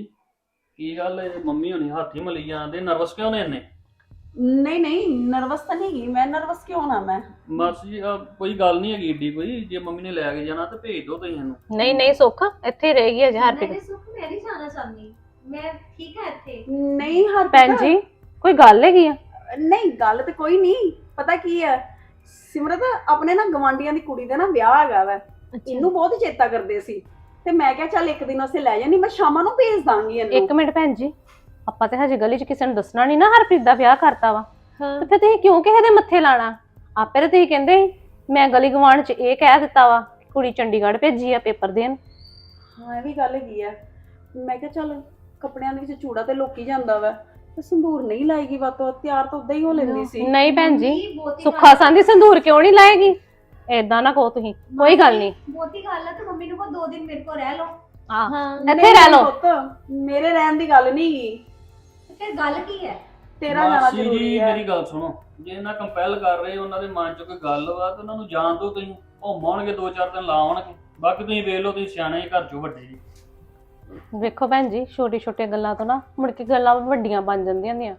D: ਕੀ ਗੱਲ ਹੈ, ਮੰਮੀ ਹੋਣੀ ਹੱਥ ਹੀ ਮਲੀ ਜਾਂਦੇ, ਨਰਵਸ ਕਿਉਂ ਨੇ ਇੰਨੇ?
C: ਨਹੀਂ ਨਹੀਂ, ਨਰਵਸ ਤਾਂ ਨਹੀਂ ਗਈ ਮੈਂ। ਨਰਵਸ ਕਿਉਂ ਨਾ ਮੈਂ?
D: ਮਾਸੀ ਜੀ ਆਹ ਕੋਈ ਗੱਲ ਨਹੀਂ ਹੈਗੀ ਏਡੀ ਕੋਈ। ਜੇ ਮੰਮੀ ਨੇ ਲੈ ਕੇ ਜਾਣਾ ਤਾਂ ਭੇਜ ਦਿਓ ਤੁਸੀਂ ਇਹਨੂੰ।
A: ਨਹੀਂ ਨਹੀਂ ਸੁੱਖ, ਇੱਥੇ ਰਹੇਗੀ ਅਜੇ ਹਰਪ੍ਰੀਤ।
B: ਸੁੱਖ ਮੈਂ ਨਹੀਂ ਜਾਣਾ ਚਾਹੁੰਦੀ, ਮੈਂ ਠੀਕ ਹੈ ਇੱਥੇ।
C: ਨਹੀਂ ਹਰ
A: ਭੈਣ ਜੀ ਕੋਈ ਗੱਲ ਹੈਗੀ ਆ?
C: ਨਹੀਂ ਗੱਲ ਤੇ ਕੋਈ ਨਹੀਂ। ਪਤਾ ਕੀ ਹੈ ਸਿਮਰਤ, ਆਪਣੇ ਨਾ ਗਵਾਂਢੀਆਂ ਦੀ ਕੁੜੀ ਦਾ ਨਾ ਵਿਆਹ ਹੈਗਾ ਵਾ। ਇਹਨੂੰ ਬਹੁਤ ਹੀ ਚੇਤਾ ਕਰਦੇ ਸੀ ਤੇ ਮੈਂ ਕਿਹਾ ਚੱਲ ਇੱਕ ਦਿਨ ਅਸੀਂ ਲੈ ਜਾਣੀ, ਮੈਂ ਸ਼ਾਮਾਂ ਨੂੰ ਭੇਜ ਦਾਂਗੀ ਇਹਨੂੰ।
A: ਇੱਕ ਮਿੰਟ ਭੈਣ ਜੀ, ਆਪਾਂ ਤੇ ਹਜੇ ਗਲੀ 'ਚ ਕਿਸੇ ਨੂੰ ਦੱਸਣਾ ਨਹੀਂ ਨਾ ਹਰਪ੍ਰੀਤ ਦਾ ਵਿਆਹ ਕਰਤਾ ਵਾ।
B: ਹਾਂ।
A: ਤੇ ਫਿਰ ਤੁਸੀਂ ਕਿਉਂ ਕਿਸੇ ਦੇ ਮੱਥੇ ਲਾਣਾ? ਆਪੇ ਤੇ ਤੁਸੀਂ ਕਹਿੰਦੇ ਸੀ ਮੈਂ ਗਲੀ ਗਵਾਂਢ 'ਚ ਇਹ ਕਹਿ ਦਿੱਤਾ ਵਾ ਕਿ ਕੁੜੀ ਚੰਡੀਗੜ੍ਹ ਭੇਜੀ ਆ ਪੇਪਰ ਦੇਣ।
C: ਹਾਂ ਇਹ ਵੀ ਗੱਲ ਹੈਗੀ ਆ। ਮੈਂ ਕਿਹਾ ਚੱਲ ਕੱਪੜਿਆਂ ਦੇ ਵਿੱਚ ਚੂੜਾ ਤੇ ਲੋਕੀ ਜਾਂਦਾ ਵਾ, ਤੇ ਸੰਧੂਰ ਨਹੀਂ ਲਾਏਗੀ, ਵਾਤੋਂ ਤਿਆਰ ਤਾਂ ਉਦਾਂ ਹੀ ਹੋ ਲੈਂਦੀ ਸੀ।
A: ਨਹੀਂ ਭੈਣ ਜੀ, ਸੁੱਖਾ ਸੰਦੀ ਸੰਧੂਰ ਕਿਉਂ ਨਹੀਂ ਲਾਏਗੀ? ਏਦਾਂ ਨਾ ਕਹੋ ਤੁਸੀਂ, ਕੋਈ ਗੱਲ ਨਹੀਂ।
B: ਬਹੁਤੀ ਗੱਲ ਹੈ ਤੇ ਮੰਮੀ ਨੂੰ ਕੋ ਦੋ ਦਿਨ ਮੇਰੇ ਕੋਲ ਰਹਿ ਲਓ।
A: ਹਾਂ
B: ਹਾਂ
A: ਇੱਥੇ ਰਹਿ ਲਓ।
C: ਪੁੱਤ ਮੇਰੇ ਰਹਿਣ ਦੀ ਗੱਲ ਨਹੀਂ ਗੀ,
B: ਫਿਰ ਗੱਲ ਕੀ ਹੈ?
C: ਤੇਰਾ ਜਾਣਾ
D: ਮਾਸੀ
C: ਜ਼ਰੂਰੀ
D: ਜੀ
C: ਹੈ।
D: ਮੇਰੀ ਗੱਲ ਸੁਣੋ, ਜੇ ਇਹਨਾਂ ਕੰਪੈਲ ਕਰ ਰਹੇ ਉਹਨਾਂ ਦੇ ਮਨ 'ਚ ਕੋਈ ਗੱਲ ਵਾ ਤਾਂ ਉਹਨਾਂ ਨੂੰ ਜਾਣ ਦਿਓ। ਤੁਸੀਂ ਘੁੰਮਾਉਣਗੇ ਦੋ ਚਾਰ ਦਿਨ ਲਾਉਣਗੇ, ਬਾਕੀ ਤੁਸੀਂ ਵੇਖ ਲਓ, ਤੁਸੀਂ ਸਿਆਣੇ ਜੀ, ਘਰ 'ਚੋਂ ਵੱਡੇ ਜੀ।
A: ਵੇਖੋ ਭੈਣ ਜੀ, ਛੋਟੀ ਛੋਟੀਆਂ ਗੱਲਾਂ ਤੋਂ ਨਾ ਮੁੜ ਕੇ ਗੱਲਾਂ ਵੱਡੀਆਂ ਬਣ ਜਾਂਦੀਆਂ ਹੁੰਦੀਆਂ।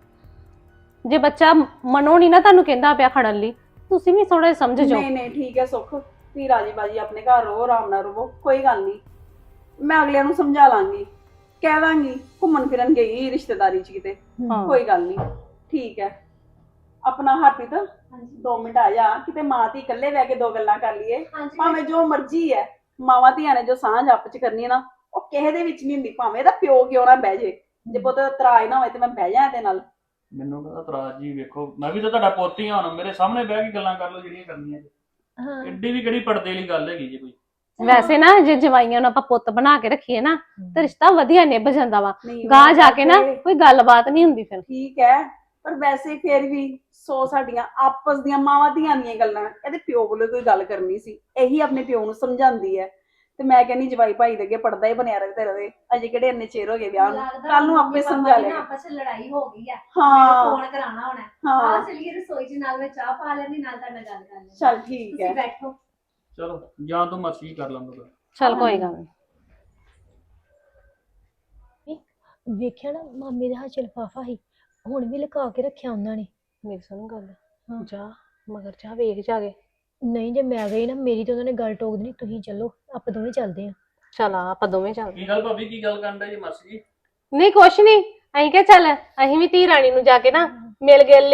A: ਜੇ ਬੱਚਾ ਮਨੋਂ ਨਹੀਂ ਨਾ ਤੁਹਾਨੂੰ ਕਹਿੰਦਾ ਪਿਆ ਖੜਨ ਲਈ, ਤੁਸੀਂ ਵੀ ਥੋੜਾ ਜਿਹਾ ਸਮਝ ਜਾਓ।
C: ਨਹੀਂ ਨਹੀਂ ਠੀਕ ਹੈ ਸੁੱਖ, ਤੁਸੀਂ ਰਾਜੀ ਬਾਜੀ ਆਪਣੇ ਘਰ ਰਹੋ, ਆਰਾਮ ਨਾਲ ਰਹੋ, ਕੋਈ ਗੱਲ ਨਹੀਂ। ਮੈਂ ਅਗਲਿਆਂ ਨੂੰ ਸਮਝਾ ਲਾਂਗੀ, ਕਹਿ ਦਾਂਗੀ ਘੁੰਮਣ ਫਿਰਨ ਗਈ ਰਿਸ਼ਤੇਦਾਰੀ 'ਚ ਕਿਤੇ,
A: ਹਾਂ।
C: ਕੋਈ ਗੱਲ ਨਹੀਂ। ਠੀਕ ਹੈ ਆਪਣਾ ਹਰਪ੍ਰੀਤ ਦੋ ਮਿੰਟ ਆ ਜਾ, ਕਿਤੇ ਮਾਂ ਧੀ ਇਕੱਲੇ ਬਹਿ ਕੇ ਦੋ ਗੱਲਾਂ ਕਰ ਲਈਏ। ਭਾਵੇਂ ਜੋ ਮਰਜ਼ੀ ਹੈ, ਮਾਵਾਂ ਧੀਆਂ ਨੇ ਜੋ ਸਾਂਝ ਆਪਸ 'ਚ ਕਰਨੀ ਹੈ ਨਾ, ਉਹ ਕਿਸੇ ਦੇ ਵਿੱਚ ਨਹੀਂ ਹੁੰਦੀ। ਭਾਵੇਂ ਇਹਦਾ ਪਿਓ ਕਿਉਂ ਨਾ ਬਹਿ ਜੇ, ਜੇ ਪੁੱਤ ਇਤਰਾਜ਼ ਨਾ ਹੋਏ ਤੇ ਮੈਂ ਬਹਿ ਜਾ ਇਹਦੇ ਨਾਲ।
D: ਮੈਨੂੰ ਕਹਿੰਦਾ ਤਰਾਜ ਜੀ, ਵੇਖੋ ਮੈਂ ਵੀ ਤਾਂ ਤੁਹਾਡਾ ਪੁੱਤ ਹੀ ਹਾਂ, ਹੁਣ ਮੇਰੇ ਸਾਹਮਣੇ ਬਹਿ ਕੇ ਗੱਲਾਂ ਕਰ ਲਓ ਜਿਹੜੀਆਂ ਕਰਨੀਆਂ।
B: ਹਾਂ
D: ਐਡੀ ਵੀ ਕਿਹੜੀ ਪਰਦੇ ਵਾਲੀ ਗੱਲ ਹੈਗੀ ਜੀ ਕੋਈ?
A: ਵੈਸੇ ਨਾ ਜੇ ਜਵਾਈਆਂ ਨੂੰ ਆਪਾਂ ਪੁੱਤ ਬਣਾ ਕੇ ਰੱਖੀਏ ਨਾ ਤੇ ਰਿਸ਼ਤਾ ਵਧੀਆ ਨਿਭ ਜਾਂਦਾ ਵਾ।
C: ਨਹੀਂ
A: ਗਾਂ
C: ਉਹ
A: ਜਾ ਕੇ ਨਾ
C: ਤੇ
A: ਕੋਈ ਗੱਲਬਾਤ ਨਹੀਂ ਹੁੰਦੀ ਫਿਰ।
C: ਠੀਕ ਹੈ, ਪਰ ਵੈਸੇ ਫਿਰ ਵੀ ਸੋ ਸਾਡੀਆਂ ਆਪਸ ਦੀਆਂ ਮਾਵਾਂ ਧੀਆਂ ਦੀਆਂ ਗੱਲਾਂ, ਇਹਦੇ ਪਿਓ ਕੋਲੋਂ ਕੋਈ ਗੱਲ ਕਰਨੀ ਸੀ, ਇਹੀ ਆਪਣੇ ਪਿਓ ਨੂੰ ਸਮਝਾਉਂਦੀ ਹੈ। ਤੇ ਮੈਂ ਕਹਿੰਦੀ ਜਵਾਈ ਭਾਈ ਦੇ ਅੱਗੇ ਪੜਦਾ ਹੀ ਬਣਿਆ ਰਹੇ ਰਵੇ, ਅਜੇ ਕਿਹੜੇ ਇੰਨੇ ਚਿਰ ਹੋ ਗਏ ਵਿਆਹ ਨੂੰ, ਕੱਲ ਨੂੰ ਆਪੇ ਸਮਝਾ ਲਿਆ।
B: ਆਪਸ ਵਿੱਚ ਲੜਾਈ ਹੋ ਗਈ ਆ,
C: ਹਾਂ
B: ਫੋਨ ਕਰਾਉਣਾ ਹੋਣਾ।
C: ਹਾਂ
B: ਆ ਚਲੀਏ ਰਸੋਈ 'ਚ, ਨਾਲ ਮੈਂ ਚਾਹ ਪਾ ਲੈਂਦੀ, ਨਾਲ ਤੁਹਾਡੇ ਨਾਲ ਗੱਲ ਕਰ ਲੈਂਦੀ।
C: ਚੱਲ ਠੀਕ
B: ਤੁਸੀਂ
C: ਹੈ।
B: ਬੈਠੋ।
D: ਚਲੋ ਜਾਂ ਤੋਂ ਮਰਜ਼ੀ ਕਰ ਲਵਾਂਗਾ।
A: ਚਲ ਕੋਈ ਗੱਲ ਨਹੀਂ।
B: ਵੇਖਿਆ ਨਾ ਮਾਮੇ ਦੇ ਹੱਥ 'ਚ ਲਿਫਾਫਾ ਸੀ, ਹੁਣ ਵੀ ਲੁਕਾ ਕੇ ਰੱਖਿਆ ਉਹਨਾਂ ਨੇ।
A: ਮੇਰੀ ਸੁਣ ਗੱਲ,
B: ਹਾਂ।
A: ਜਾ ਮਗਰ ਜਾ ਵੇਖ ਜਾ ਕੇ।
B: ਨਹੀਂ ਜੇ ਮੈਂ ਗਈ ਨਾ, ਮੇਰੀ ਤਾਂ ਉਹਨਾਂ ਨੇ ਗੱਲ ਟੋਕ ਦੇਣੀ। ਤੁਸੀਂ ਚੱਲੋ, ਆਪਾਂ ਦੋਵੇਂ ਚੱਲਦੇ ਆ।
A: ਚਲ ਆ ਆਪਾਂ ਦੋਵੇਂ ਚੱਲਦੇ।
D: ਕੀ ਗੱਲ ਭਾਬੀ, ਕੀ ਗੱਲ ਕਰਨ ਦਾ ਜੀ ਮਾਸੀ ਜੀ?
A: ਨਹੀਂ ਕੁਛ ਨਹੀਂ, ਅਸੀਂ ਕਿਹਾ ਚੱਲ ਅਸੀਂ ਵੀ ਧੀ ਰਾਣੀ ਨੂੰ ਜਾ ਕੇ ਨਾ ਮਿਲ ਗਿਲ ਲਈਏ,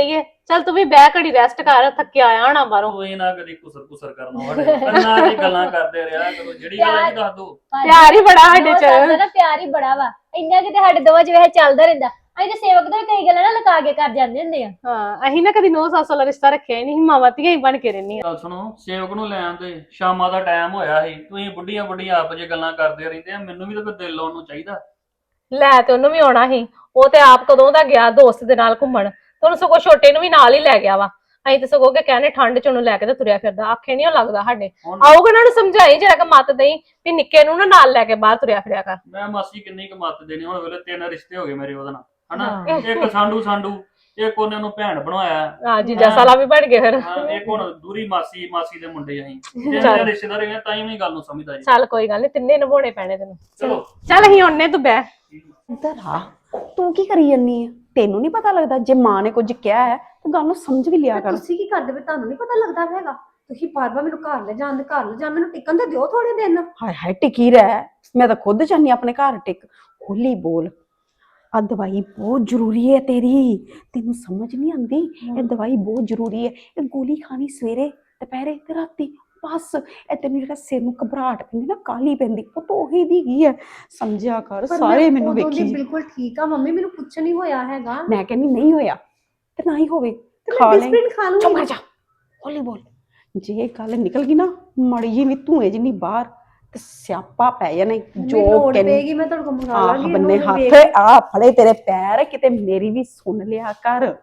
A: ਚੱਲ ਤੂੰ ਵੀ ਬਹਿ ਘੜੀ ਰੈਸਟ ਕਰ, ਥੱਕਿਆ ਆਇਆ ਹੋਣਾ ਬਾਹਰੋਂ।
D: ਉਹ ਇਹ ਨਾ ਕਦੀ ਕੁਸਰ ਕੁਸਰ ਕਰਨਾ ਸਾਡੇ ਕੰਨਾਂ 'ਚ ਗੱਲਾਂ ਕਰਦੇ ਰਿਹਾ ਕਰੋ, ਜਿਹੜੀ ਗੱਲ ਹੈ ਦੱਸ ਦੋ।
A: ਪਿਆਰ ਹੀ ਬੜਾ ਸਾਡੇ ਚ।
B: ਨਾ ਪਿਆਰ ਹੀ ਬੜਾ ਵਾ, ਇੰਨਾ ਕਿਤੇ ਸਾਡੇ ਦੋਵਾਂ ਚ ਵੈਸੇ ਚੱਲਦਾ ਰਹਿੰਦਾ। ਅਸੀਂ ਤੇ ਸੇਵਕ ਤੋਂ ਵੀ ਕਈ ਗੱਲਾਂ ਨਾ ਲੁਕਾ ਕੇ ਕਰ ਜਾਂਦੇ ਹੁੰਦੇ ਆ।
A: ਹਾਂ ਅਸੀਂ ਨਾ ਕਦੀ ਨੋ ਸੱਸ ਵਾਲਾ ਰਿਸ਼ਤਾ ਰੱਖਿਆ ਹੀ ਨਹੀਂ, ਮਾਵਾਂ ਧੀਆਂ ਹੀ ਬਣ ਕੇ ਰਹਿੰਦੀਆਂ।
D: ਗੱਲ ਸੁਣੋ, ਸੇਵਕ ਨੂੰ ਲੈਣ ਤੇ ਸ਼ਾਮਾਂ ਦਾ ਟਾਈਮ ਹੋਇਆ ਸੀ, ਤੁਸੀਂ ਬੁੱਢੀਆਂ ਬੁੱਢੀਆਂ ਆਪ ਜੇ ਗੱਲਾਂ ਕਰਦੇ ਰਹਿੰਦੇ ਆ, ਮੈਨੂੰ ਵੀ ਤਾਂ ਕੋਈ ਦਿਲ ਲਾਉਣ ਨੂੰ ਚਾਹੀਦਾ।
A: ਲੈ ਤੇ ਉਹਨੂੰ ਵੀ ਆਉਣਾ ਸੀ, ਉਹ ਤੇ ਆਪ ਕਦੋਂ ਦਾ ਗਿਆ ਦੋਸਤ ਦੇ ਨਾਲ ਘੁੰਮਣ, ਤੇ ਉਹਨੂੰ ਸਗੋਂ ਛੋਟੇ ਨੂੰ ਵੀ ਨਾਲ ਹੀ ਲੈ ਗਿਆ ਵਾ। ਅਸੀਂ ਤੇ ਸਗੋਂ ਕਿ ਕਹਿੰਦੇ ਠੰਡ ਚ ਉਹਨੂੰ ਲੈ ਕੇ ਤੇ ਤੁਰਿਆ ਫਿਰਦਾ, ਆਖੇ ਨਹੀਂ ਉਹ ਲੱਗਦਾ ਸਾਡੇ। ਆਊਗਾ ਉਹਨਾਂ ਨੂੰ ਸਮਝਾਈ ਜਰਾ ਕਿ ਮੱਤ ਦੇਈ ਵੀ ਨਿੱਕੇ ਨੂੰ ਨਾ ਨਾਲ ਲੈ ਕੇ ਬਾਹਰ ਤੁਰਿਆ ਫਿਰਿਆ ਕਰ।
D: ਮੈਂ ਮਾਸੀ ਕਿੰਨੀ ਕੁ ਮੱਤ ਦੇਣੀ, ਹੁਣ ਵੇਲੇ ਤਿੰਨ ਰਿਸ਼ਤੇ ਹੋ ਗਏ ਮੇਰੇ ਉਹਦੇ ਨਾਲ, ਹਨਾ। ਇੱਕ ਸਾਂਢੂ ਸਾਂਢੂ, ਇੱਕ ਉਹਨੇ ਨੂੰ ਭੈਣ ਬਣਵਾਇਆ,
A: ਹਾਂ ਜੀਜਾ ਸਾਲਾ ਵੀ ਬਣ ਗਏ ਫਿਰ।
D: ਹਾਂ, ਇੱਕ ਹੁਣ ਦੂਰੀ ਮਾਸੀ ਮਾਸੀ ਦੇ ਮੁੰਡੇ ਅਸੀਂ ਤਿੰਨ ਰਿਸ਼ਤੇਦਾਰ ਹੈਗੇ, ਤਾਂ ਹੀ ਵੀ ਗੱਲ ਨੂੰ ਸਮਝਦਾ ਜੀ।
A: ਚੱਲ ਕੋਈ ਗੱਲ ਨਹੀਂ, ਤਿੰਨੇ ਨਿਭਾਉਣੇ ਪੈਣੇ ਤੈਨੂੰ।
D: ਚਲੋ
A: ਚੱਲ ਅਸੀਂ ਉਹਨੇ ਤੂੰ ਬਹਿ।
C: ਇੱਧਰ ਆ, ਤੂੰ ਕੀ ਕਰੀ ਜੰਨੀ ਆ? ਤੈਨੂੰ ਨਹੀਂ ਪਤਾ ਲੱਗਦਾ ਜੇ ਮਾਂ ਨੇ ਕੁਝ ਕਿਹਾ ਹੈ ਤੂੰ ਗੱਲ ਨੂੰ ਸਮਝ ਵੀ ਲਿਆ ਕਰ।
E: ਤੁਸੀਂ ਕੀ ਕਰਦੇ ਵੇ? ਤੁਹਾਨੂੰ ਨਹੀਂ ਪਤਾ ਲੱਗਦਾ ਹੈਗਾ? ਤੁਸੀਂ ਬਾਰ-ਬਾਰ ਮੈਨੂੰ ਘਰ ਲੈ ਜਾਣ ਦੇ ਘਰ ਲੈ ਜਾ, ਮੈਨੂੰ ਟਿਕਣ ਤੇ ਦਿਓ ਥੋੜੇ ਦਿਨ।
C: ਹਾਏ ਹਾਏ ਟਿਕੀ ਰਹਿ, ਮੈਂ ਤਾਂ ਖੁਦ ਚਾਹਨੀ ਆਪਣੇ ਘਰ ਟਿਕ। ਹੌਲੀ ਬੋਲ, ਆ ਦਵਾਈ ਬਹੁਤ ਜ਼ਰੂਰੀ ਹੈ ਤੇਰੀ, ਤੈਨੂੰ ਸਮਝ ਨਹੀਂ ਆਉਂਦੀ? ਇਹ ਦਵਾਈ ਬਹੁਤ ਜ਼ਰੂਰੀ ਹੈ, ਇਹ ਗੋਲੀ ਖਾਣੀ ਸਵੇਰੇ ਦੁਪਹਿਰੇ ਤੇ ਰਾਤੀ, ਬਸ। ਇਹ ਤੈਨੂੰ ਜਿਹੜਾ ਸਿਰ ਨੂੰ ਘਬਰਾਹਟ ਪੈਂਦੀ ਨਾ, ਕਾਲੀ ਪੈਂਦੀ, ਉਹ ਤਾਂ ਉਹੀ ਦੀ ਗਈ ਹੈ, ਸਮਝਿਆ ਕਰ। ਸਾਰੇ ਮੈਨੂੰ ਵੇਖੀ
E: ਬਿਲਕੁਲ ਠੀਕ ਆ ਮੰਮੀ, ਮੈਨੂੰ ਕੁਛ ਨਹੀਂ ਹੋਇਆ ਹੈਗਾ।
C: ਮੈਂ ਕਹਿੰਦੀ ਨਹੀਂ ਹੋਇਆ ਤੇ ਨਾ ਹੀ ਹੋਵੇ,
E: ਤੇ
C: ਖਾ
E: ਮੈਂ
C: ਲੈ।
E: ਡਿਸਪਲਿਨ ਖਾ ਲੂੰਗੀ।
C: ਚੁੱਪ ਕਰ ਜਾ, ਹੌਲੀ ਬੋਲ। ਜੇ ਇਹ ਗੱਲ ਨਿਕਲ ਗਈ ਨਾ ਮਾੜੀ ਜੀ ਵੀ ਧੂਏ ਜਿੰਨੀ ਬਾਹਰ, ਤੇ ਸਿਆਪਾ ਪੈ ਜਾਣਾ। ਜੋ
E: ਲੋੜ
C: ਕਹਿੰਦੀ
E: ਪਏਗੀ ਮੈਂ ਤੁਹਾਡੇ ਕੋਲ ਮੰਗਾ
C: ਆਹ
E: ਲਾਂਗੀ।
C: ਬੰਨੇ
E: ਉਹਨੂੰ
C: ਹੱਥ,
E: ਵੇਖ-
C: ਆ ਫੜੇ ਤੇਰੇ ਪੈਰ, ਕਿਤੇ ਮੇਰੀ ਵੀ ਸੁਣ ਲਿਆ ਕਰ।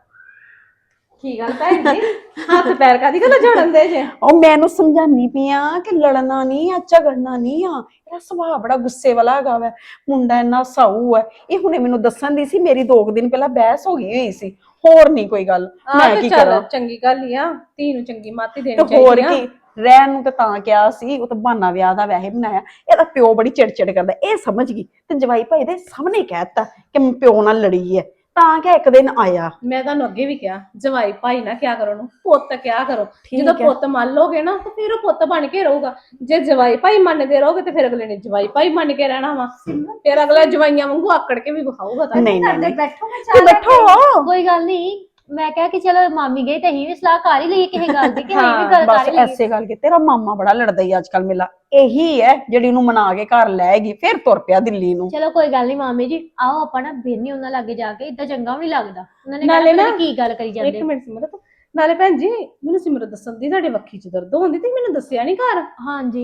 E: ਕੀ ਗੱਲ ਭੈਣ ਜੀ, ਹੱਥ ਪੈਰ ਕਾਦੀ ਗੱਲਾਂ ਜੋੜਨ ਦੇ ਜੇ?
C: ਉਹ ਮੈਨੂੰ ਸਮਝਾਨੀ ਪਈ ਆ ਕਿ ਲੜਨਾ ਨਹੀਂ ਆ, ਝਗੜਨਾ ਨਹੀਂ ਆ। ਇਹਦਾ ਸੁਭਾਅ ਬੜਾ ਗੁੱਸੇ ਵਾਲਾ ਹੈਗਾ ਵਾ, ਮੁੰਡਾ ਇੰਨਾ ਸਾਊ ਹੈ। ਇਹ ਹੁਣੇ ਮੈਨੂੰ ਦੱਸਣ ਦੀ ਸੀ, ਮੇਰੀ ਦੋ ਕੁ ਦਿਨ ਪਹਿਲਾਂ ਬਹਿਸ ਹੋ ਗਈ ਹੋਈ ਸੀ, ਹੋਰ ਨਹੀਂ ਕੋਈ ਗੱਲ। ਮੈਂ ਕੀ ਕਰਾਂ?
A: ਚੰਗੀ ਗੱਲ ਹੀ ਆ, ਧੀ ਨੂੰ ਚੰਗੀ ਮਾਤੀ ਦੇਣੀ
C: ਤੇ ਹੋਰ ਕੀ, ਰਹਿਣ ਨੂੰ ਤੇ ਤਾਂ ਕਿਹਾ ਸੀ, ਉਹ ਤਾਂ ਬਹਾਨਾ ਵਿਆਹ ਦਾ ਵੈਸੇ ਬਣਾਇਆ। ਇਹਦਾ ਪਿਓ ਬੜੀ ਚਿੜਚਿੜ ਕਰਦਾ, ਇਹ ਸਮਝ ਗਈ ਤੇ ਜਵਾਈ ਭਾਈ ਦੇ ਸਾਹਮਣੇ ਕਹਿਤਾ ਕਿ ਪਿਓ ਨਾਲ ਲੜੀ ਹੈ, ਤਾਂ ਕਿ ਇੱਕ ਦਿਨ ਆਇਆ।
A: ਮੈਂ ਤੁਹਾਨੂੰ ਅੱਗੇ ਵੀ ਕਿਹਾ, ਜਵਾਈ ਭਾਈ ਨਾ ਕਿਆ ਕਰੋ, ਉਹਨੂੰ ਪੁੱਤ ਕਿਆ ਕਰੋ।
C: ਠੀਕ
A: ਜਦੋਂ
C: ਹੈ।
A: ਪੁੱਤ ਮੰਨ ਲੋਗੇ ਨਾ ਤੇ ਫਿਰ ਉਹ ਪੁੱਤ ਬਣ ਕੇ ਰਹੂਗਾ। ਜੇ ਜਵਾਈ ਭਾਈ ਮੰਨਦੇ ਰਹੋਗੇ ਤੇ ਫਿਰ ਅਗਲੇ ਨੇ ਜਵਾਈ ਭਾਈ ਮੰਨ ਕੇ ਰਹਿਣਾ ਵਾ, ਫਿਰ ਅਗਲਾ ਜਵਾਈਆਂ ਵਾਂਗੂ ਆਕੜ ਕੇ ਵੀ ਵਿਖਾਊਗਾ। ਤਾਂ
C: ਨਹੀਂ ਨਹੀਂ
E: ਕਰਦੇ
C: ਨਹੀਂ,
E: ਬੈਠੋ, ਮੈਂ
C: ਤੂੰ
E: ਚਾਹ ਲੈ
C: ਬੈਠੋ।
B: ਕੋਈ ਗੱਲ ਨਹੀਂ, ਮੈਂ ਕਿਹਾ ਕਿ ਚਲੋ ਮਾਮੀ ਗਈ ਤੇ ਅਸੀਂ ਵੀ ਸਲਾਹ ਕਰ ਹੀ ਲਈਏ ਕਿਸੇ ਗੱਲ ਦੀ, ਕਿ ਅਸੀਂ ਵੀ ਗੱਲ ਕਰ
C: ਬਸ
B: ਹੀ ਲਈਏ।
C: ਐਸੇ ਗੱਲ ਕਿ ਤੇਰਾ ਮਾਮਾ ਬੜਾ ਲੜਦਾ ਹੀ ਅੱਜ ਕੱਲ, ਮੇਲਾ ਇਹੀ ਹੈ ਜਿਹੜੀ ਉਹਨੂੰ ਮਨਾ ਕੇ ਘਰ ਲੈ ਗਈ, ਫਿਰ ਤੁਰ ਪਿਆ ਦਿੱਲੀ ਨੂੰ।
B: ਚਲੋ ਕੋਈ ਗੱਲ ਨਹੀਂ ਮਾਮੀ ਜੀ, ਆਓ ਆਪਾਂ ਨਾ ਬੇਨੀ ਉਹਨਾਂ ਲਾਗੇ ਜਾ ਕੇ, ਇਦਾਂ ਚੰਗਾ ਵੀ ਨਹੀਂ ਲੱਗਦਾ। ਉਹਨਾਂ ਨੇ
A: ਨਾਲੇ
B: ਕਹਿਣਾ
A: ਨਾ-
B: ਕੀ ਗੱਲ ਕਰੀ ਜਾਂਦੇ।
A: ਇੱਕ ਮਿੰਟ ਸਿਮਰਤ, ਨਾਲੇ ਭੈਣ ਜੀ ਮੈਨੂੰ ਸਿਮਰਤ ਦੱਸਣ ਦੀ ਤੁਹਾਡੇ ਵੱਖੀ ਚ ਦਰਦ ਹੁੰਦੀ ਤੇ ਮੈਨੂੰ ਦੱਸਿਆ ਨਹੀਂ ਘਰ।
B: ਹਾਂਜੀ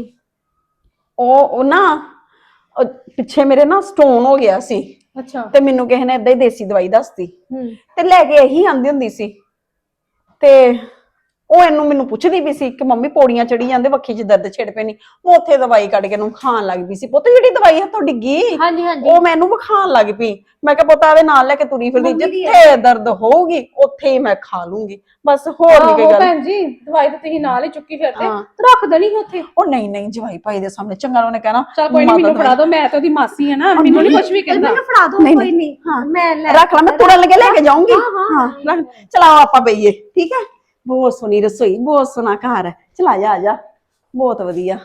C: ਉਹ ਉਹ ਨਾ ਉਹ ਪਿੱਛੇ ਮੇਰੇ ਨਾ ਸਟੋਨ ਹੋ ਗਿਆ ਸੀ,
A: ਅੱਛਾ
C: ਤੇ ਮੈਨੂੰ ਕਿਸੇ ਨੇ ਏਦਾਂ ਹੀ ਦੇਸੀ ਦਵਾਈ ਦੱਸਤੀ,
B: ਹੂੰ
C: ਤੇ ਲੈ ਕੇ ਇਹੀ ਆਂਦੀ ਹੁੰਦੀ ਸੀ। ਤੇ ਉਹ ਇਹਨੂੰ ਮੈਨੂੰ ਪੁੱਛਦੀ ਵੀ ਸੀ ਕਿ ਮੰਮੀ ਪੌੜੀਆਂ ਚੜੀ ਜਾਂਦੇ, ਵੱਖੀ 'ਚ ਦਰਦ ਛਿੜ ਪੈ ਨਹੀਂ। ਮੈਂ ਉੱਥੇ ਦਵਾਈ ਕੱਢ ਕੇ ਇਹਨੂੰ ਖਾਣ ਲੱਗ ਪਈ ਸੀ। ਪੁੱਤ ਜਿਹੜੀ ਦਵਾਈ ਹੱਥੋਂ ਡਿੱਗੀ
B: ਹਾਂਜੀ ਹਾਂਜੀ
C: ਉਹ ਮੈਨੂੰ ਵਿਖਾਣ ਲੱਗ ਪਈ। ਮੈਂ ਕਿਹਾ ਪੁੱਤ ਆਵੇ ਨਾਲ ਲੈ ਕੇ ਤੁਰੀ ਫਿਰਦੀ, ਜਿੱਥੇ ਦਰਦ ਹੋਊਗੀ ਉੱਥੇ ਹੀ ਮੈਂ ਖਾ ਲੂੰਗੀ, ਬਸ ਹੋਰ ਨਹੀਂ ਕੋਈ
A: ਆਹੋ
C: ਗੱਲ।
A: ਭੈਣ ਜੀ ਦਵਾਈ ਤਾਂ ਤੁਸੀਂ ਨਾਲ ਹੀ ਚੁੱਕੀ ਫਿਰਦੇ,
C: ਹਾਂ।
A: ਤੇ ਰੱਖ ਦੇਣੀ ਸੀ ਉੱਥੇ।
C: ਉਹ ਨਹੀਂ ਨਹੀਂ ਜਵਾਈ ਭਾਈ ਦੇ ਸਾਹਮਣੇ ਚੰਗਾ ਉਹਨੇ ਕਹਿਣਾ
A: ਚਲ ਕੋਈ ਨਹੀਂ,
C: ਮਾਤਾ
A: ਮੈਨੂੰ ਫੜਾ ਦਿਓ, ਮੈਂ ਤਾਂ ਉਹਦੀ ਮਾਸੀ ਆ ਨਾ, ਮੈਨੂੰ ਨਹੀਂ ਕੁਝ ਵੀ ਕਹਿੰਦਾ।
E: ਮੈਨੂੰ ਫੜਾ ਦੋ,
C: ਨਹੀਂ,
E: ਕੋਈ ਨਹੀਂ,
C: ਹਾਂ।
E: ਮੈਂ ਲੈ
C: ਰੱਖ ਲਾ, ਮੈਂ ਤੁਰਨ ਲੱਗੇ ਲੈ ਕੇ ਜਾਊਂਗੀ।
E: ਹਾਂ,
C: ਹਾਂ ਰੱਖ, ਚਲਾਓ ਆਪਾਂ ਬਈਏ, ਠੀਕ ਹੈ। ਬਹੁਤ ਸੋਹਣੀ ਰਸੋਈ, ਬਹੁਤ ਸੋਹਣਾ ਘਰ ਹੈ, ਚਲਾ ਜਾ ਆ ਜਾ, ਬਹੁਤ ਵਧੀਆ।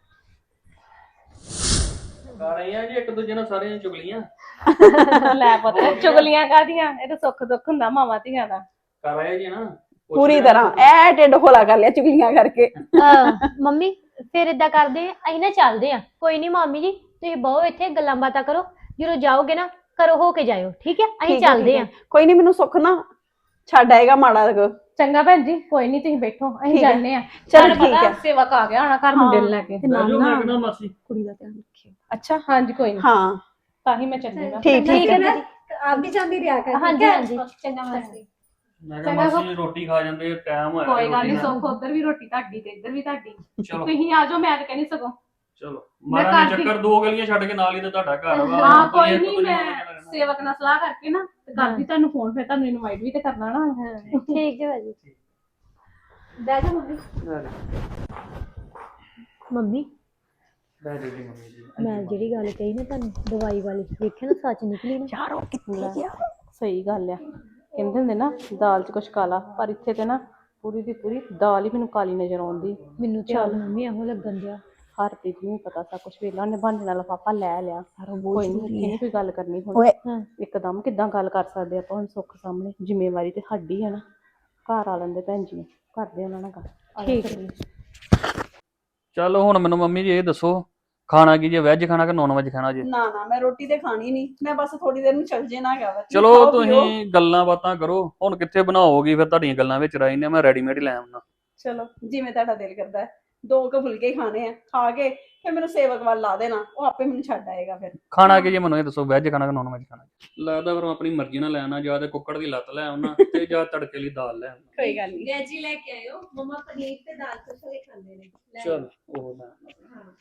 D: ਕਰ ਰਹੀ ਆ ਜੀ ਇੱਕ ਦੂਜੇ ਨਾਲ ਸਾਰੀਆਂ ਚੁਗਲੀਆਂ
A: ਲੈ ਪਤਾ ਚੁਗਲੀਆਂ ਕਾਦੀਆਂ, ਇਹ ਤਾਂ ਸੁੱਖ ਦੁੱਖ ਹੁੰਦਾ ਮਾਵਾਂ ਧੀਆਂ ਦਾ।
D: ਕਰ ਰਹੇ ਜੀ ਨਾ
C: ਪੂਰੀ ਤਰ੍ਹਾਂ ਐ ਢਿੱਡ ਖੋਲਾ ਕਰ ਲਿਆ ਚੁਗਲੀਆਂ ਕਰਕੇ।
B: ਅਹ ਮੰਮੀ ਫਿਰ ਏਦਾਂ ਕਰਦੇ ਆ, ਅਸੀਂ ਨਾ ਚੱਲਦੇ ਆ। ਕੋਈ ਨਹੀਂ ਮਾਮੀ ਜੀ, ਤੁਸੀਂ ਬਹੁ ਇੱਥੇ ਗੱਲਾਂ ਬਾਤਾਂ ਕਰੋ, ਜਦੋਂ ਜਾਓਗੇ ਨਾ ਘਰੋਂ ਹੋ ਕੇ ਜਾਇਓ, ਠੀਕ ਹੈ। ਅਸੀਂ
C: ਠੀਕ ਹੈ,
B: ਚੱਲਦੇ
C: ਠੀਕ
B: ਆ।
C: ਹੈ। ਕੋਈ ਨਹੀਂ, ਮੈਨੂੰ ਸੁੱਖ ਨਾ ਛੱਡ ਆਏਗਾ ਮਾੜਾ ਕੁ।
A: ਚੰਗਾ ਭੈਣ ਜੀ, ਕੋਈ ਨਹੀਂ ਤੁਸੀਂ ਬੈਠੋ, ਅਸੀਂ
C: ਠੀਕ ਹੈ।
A: ਜਾਂਦੇ ਆ।
C: ਚਲੋ
A: ਤੁਹਾਨੂੰ
C: ਠੀਕ
A: ਪਤਾ
C: ਹੈ।
A: ਸੇਵਕ ਆ ਗਿਆ ਹੋਣਾ ਘਰ ਮੁੰਡੇ ਨੂੰ ਲੈ ਕੇ।
C: ਤੇ ਨਾਲ
D: ਜੋ
C: ਨਾ
D: ਮੈਂ ਕਹਿੰਦਾ ਮਾਸੀ
C: ਕੁੜੀ ਦਾ ਧਿਆਨ ਰੱਖਿਓ। ਅੱਛਾ
A: ਹਾਂਜੀ ਕੋਈ ਨਹੀਂ,
C: ਹਾਂ
A: ਤਾਂ ਹੀ ਮੈਂ ਚੱਲੀ ਹਾਂ।
C: ਠੀਕ ਠੀਕ ਹੈ।
E: ਨਾ ਆਪ ਵੀ ਜਾਂਦੀ ਰਿਹਾ ਕਰ।
B: ਹਾਂਜੀ ਹਾਂਜੀ
A: ਚੰਗਾ ਮਾਸੀ।
D: ਮੈਂ ਕਿਹਾ ਮਾਸੀ ਰੋਟੀ ਖਾ ਜਾਂਦੇ, ਟਾਈਮ ਹੋਇਆ
A: ਕੋਈ ਗੱਲ ਨਹੀਂ,
D: ਰੋਟੀ ਦਾ।
A: ਸੁੱਖ ਉਧਰ ਵੀ ਰੋਟੀ ਤੁਹਾਡੀ ਤੇ ਇੱਧਰ ਵੀ ਤੁਹਾਡੀ।
D: ਚਲੋ
A: ਤੁਸੀਂ ਆ ਜਾਓ, ਮੈਂ ਤਾਂ ਕਹਿੰਦੀ ਸਗੋਂ।
D: ਚਲੋ
A: ਮੈਂ
D: ਮਾਰਾ
A: ਕਰਦੀ-
D: ਚੱਕਰ ਦੋ ਗਲੀਆਂ ਛੱਡ ਕੇ ਨਾਲ ਹੀ ਤੇ ਤੁਹਾਡਾ ਘਰ ਵਾ।
A: ਹਾਂ
D: ਤੁਸੀਂ
A: ਕੋਈ
D: ਇੱਕ
A: ਨਹੀਂ,
D: ਦੂਜੇ
A: ਮੈਂ
D: ਨਾਲ ਰਹਿਣਾ।
A: ਸੇਵਕ ਨਾਲ ਸਲਾਹ ਕਰਕੇ ਨਾ ਤੇ ਕਰਦੀ ਤੁਹਾਨੂੰ ਫੋਨ, ਫਿਰ ਤੁਹਾਨੂੰ ਇਨਵਾਈਟ ਵੀ ਤੇ ਕਰਨਾ ਨਾ।
B: ਠੀਕ ਹੈ ਭਾਜੀ।
E: ਬਹਿ ਜਾ ਮੰਮੀ।
B: ਮੰਮੀ
D: ਬਹਿ ਜਾਓ ਜੀ ਮੰਮੀ ਜੀ।
B: ਮੈਂ ਜਿਹੜੀ ਗੱਲ ਕਹੀ ਨਾ ਤੁਹਾਨੂੰ ਦਵਾਈ ਵਾਲੀ, ਵੇਖਿਆ ਨਾ ਸੱਚ ਨਿਕਲੀ ਨਾ।
C: ਯਾਰ ਉਹ ਕਿੱਥੇ ਗਿਆ?
A: ਸਹੀ ਗੱਲ ਆ, ਕਹਿੰਦੇ ਹੁੰਦੇ ਨਾ ਦਾਲ 'ਚ ਕੁਛ ਕਾਲਾ, ਪਰ ਇੱਥੇ ਤੇ ਨਾ ਪੂਰੀ ਦੀ ਪੂਰੀ ਦਾਲ ਹੀ ਮੈਨੂੰ ਕਾਲੀ ਨਜ਼ਰ ਆਉਂਦੀ।
B: ਮੈਨੂੰ ਚੱਲ ਮੰਮੀ ਇਹੋ ਲੱਗਣ ਦਿਆ।
A: ਹਰਪ੍ਰੀਤ ਨੂੰ ਵੀ ਪਤਾ ਸਾ ਕੁਛ, ਵੇਲਾ ਉਹਨੇ ਬਹਾਨੇ ਨਾਲ ਲਿਫਾਫਾ ਲੈ ਲਿਆ। ਕੋਈ ਨਹੀਂ, ਇੱਥੇ ਨਹੀਂ ਕੋਈ ਗੱਲ ਕਰਨੀ ਹੁਣ।
C: ਓਏ
A: ਇੱਕਦਮ ਕਿੱਦਾਂ ਗੱਲ ਕਰ ਸਕਦੇ ਆਪਾਂ ਹੁਣ ਸੁੱਖ ਸਾਹਮਣੇ? ਜ਼ਿੰਮੇਵਾਰੀ ਤੇ ਸਾਡੀ ਹੈ ਨਾ। ਘਰ ਆ ਲੈਂਦੇ ਭੈਣ ਜੀ ਨੂੰ, ਕਰਦੇ ਉਹਨਾਂ ਨਾਲ ਗੱਲ।
B: ਠੀਕ ਹੈ।
D: ਚਲੋ ਹੁਣ ਮੈਨੂੰ ਮੰਮੀ ਜੀ ਇਹ ਦੱਸੋ, ਖਾਣਾ ਕੀ ਜੇ, ਵੈਜ ਖਾਣਾ ਕਿ ਨੌਨ ਵੈਜ ਖਾਣਾ ਜੇ?
C: ਨਾ ਨਾ ਮੈਂ ਰੋਟੀ ਤੇ ਖਾਣੀ ਨਹੀਂ, ਮੈਂ ਬਸ ਥੋੜੀ ਦੇਰ ਨੂੰ ਚੱਲ ਜੇ ਨਾ ਹੈਗਾ ਵਾ। ਤੁਸੀਂ
D: ਚਲੋ
C: ਖਾਓ ਪੀਓ।
D: ਤੁਸੀਂ ਗੱਲਾਂ ਬਾਤਾਂ ਕਰੋ, ਹੁਣ ਕਿੱਥੇ ਬਣਾਓਗੀ ਫਿਰ, ਤੁਹਾਡੀਆਂ ਗੱਲਾਂ ਵਿੱਚ ਰਹਿ ਨੇ, ਮੈਂ ਰੈਡੀਮੇਡ ਹੀ ਲੈ ਆਉਣਾ।
C: ਚਲੋ ਜਿਵੇਂ ਤੁਹਾਡਾ ਦਿਲ ਕਰਦਾ ਹੈ। ਦੋ ਕੁ ਫੁਲਕੇ ਖਾਣੇ ਆ, ਖਾ ਕੇ ਫਿਰ ਮੈਨੂੰ ਸੇਵਕ ਵੱਲ ਲਾ ਦੇਣਾ, ਉਹ ਆਪੇ ਮੈਨੂੰ ਛੱਡ ਆਏਗਾ ਫਿਰ।
D: ਖਾਣਾ ਕੀ ਜੇ ਮੈਨੂੰ ਇਹ ਦੱਸੋ, ਵੈਜ ਖਾਣਾ ਕਿ ਨੌਨ ਵੈਜ ਖਾਣਾ? ਲੱਗਦਾ ਫਿਰ ਮੈਂ ਆਪਣੀ ਮਰਜ਼ੀ ਨਾਲ ਲੈ ਆਉਣਾ, ਜਾਂ ਤੇ ਕੁੱਕੜ ਦੀ ਲੱਤ ਲੈ ਆਉਣਾ ਤੇ ਜਾਂ ਤੜਕੇ ਲਈ ਦਾਲ ਲੈ ਆਉਣਾ।
C: ਕੋਈ ਗੱਲ ਨਹੀਂ।
E: ਵੈਜ ਹੀ ਲੈ ਕੇ ਆਇਓ, ਮਮਾ ਪਨੀਰ ਤੇ ਦਾਲ ਖੁਸ਼ ਖਾਂਦੇ ਨੇ। ਲੈ
D: ਚਲ ਉਹ ਲੈ ਆਉਣਾ।
E: ਹਾਂ।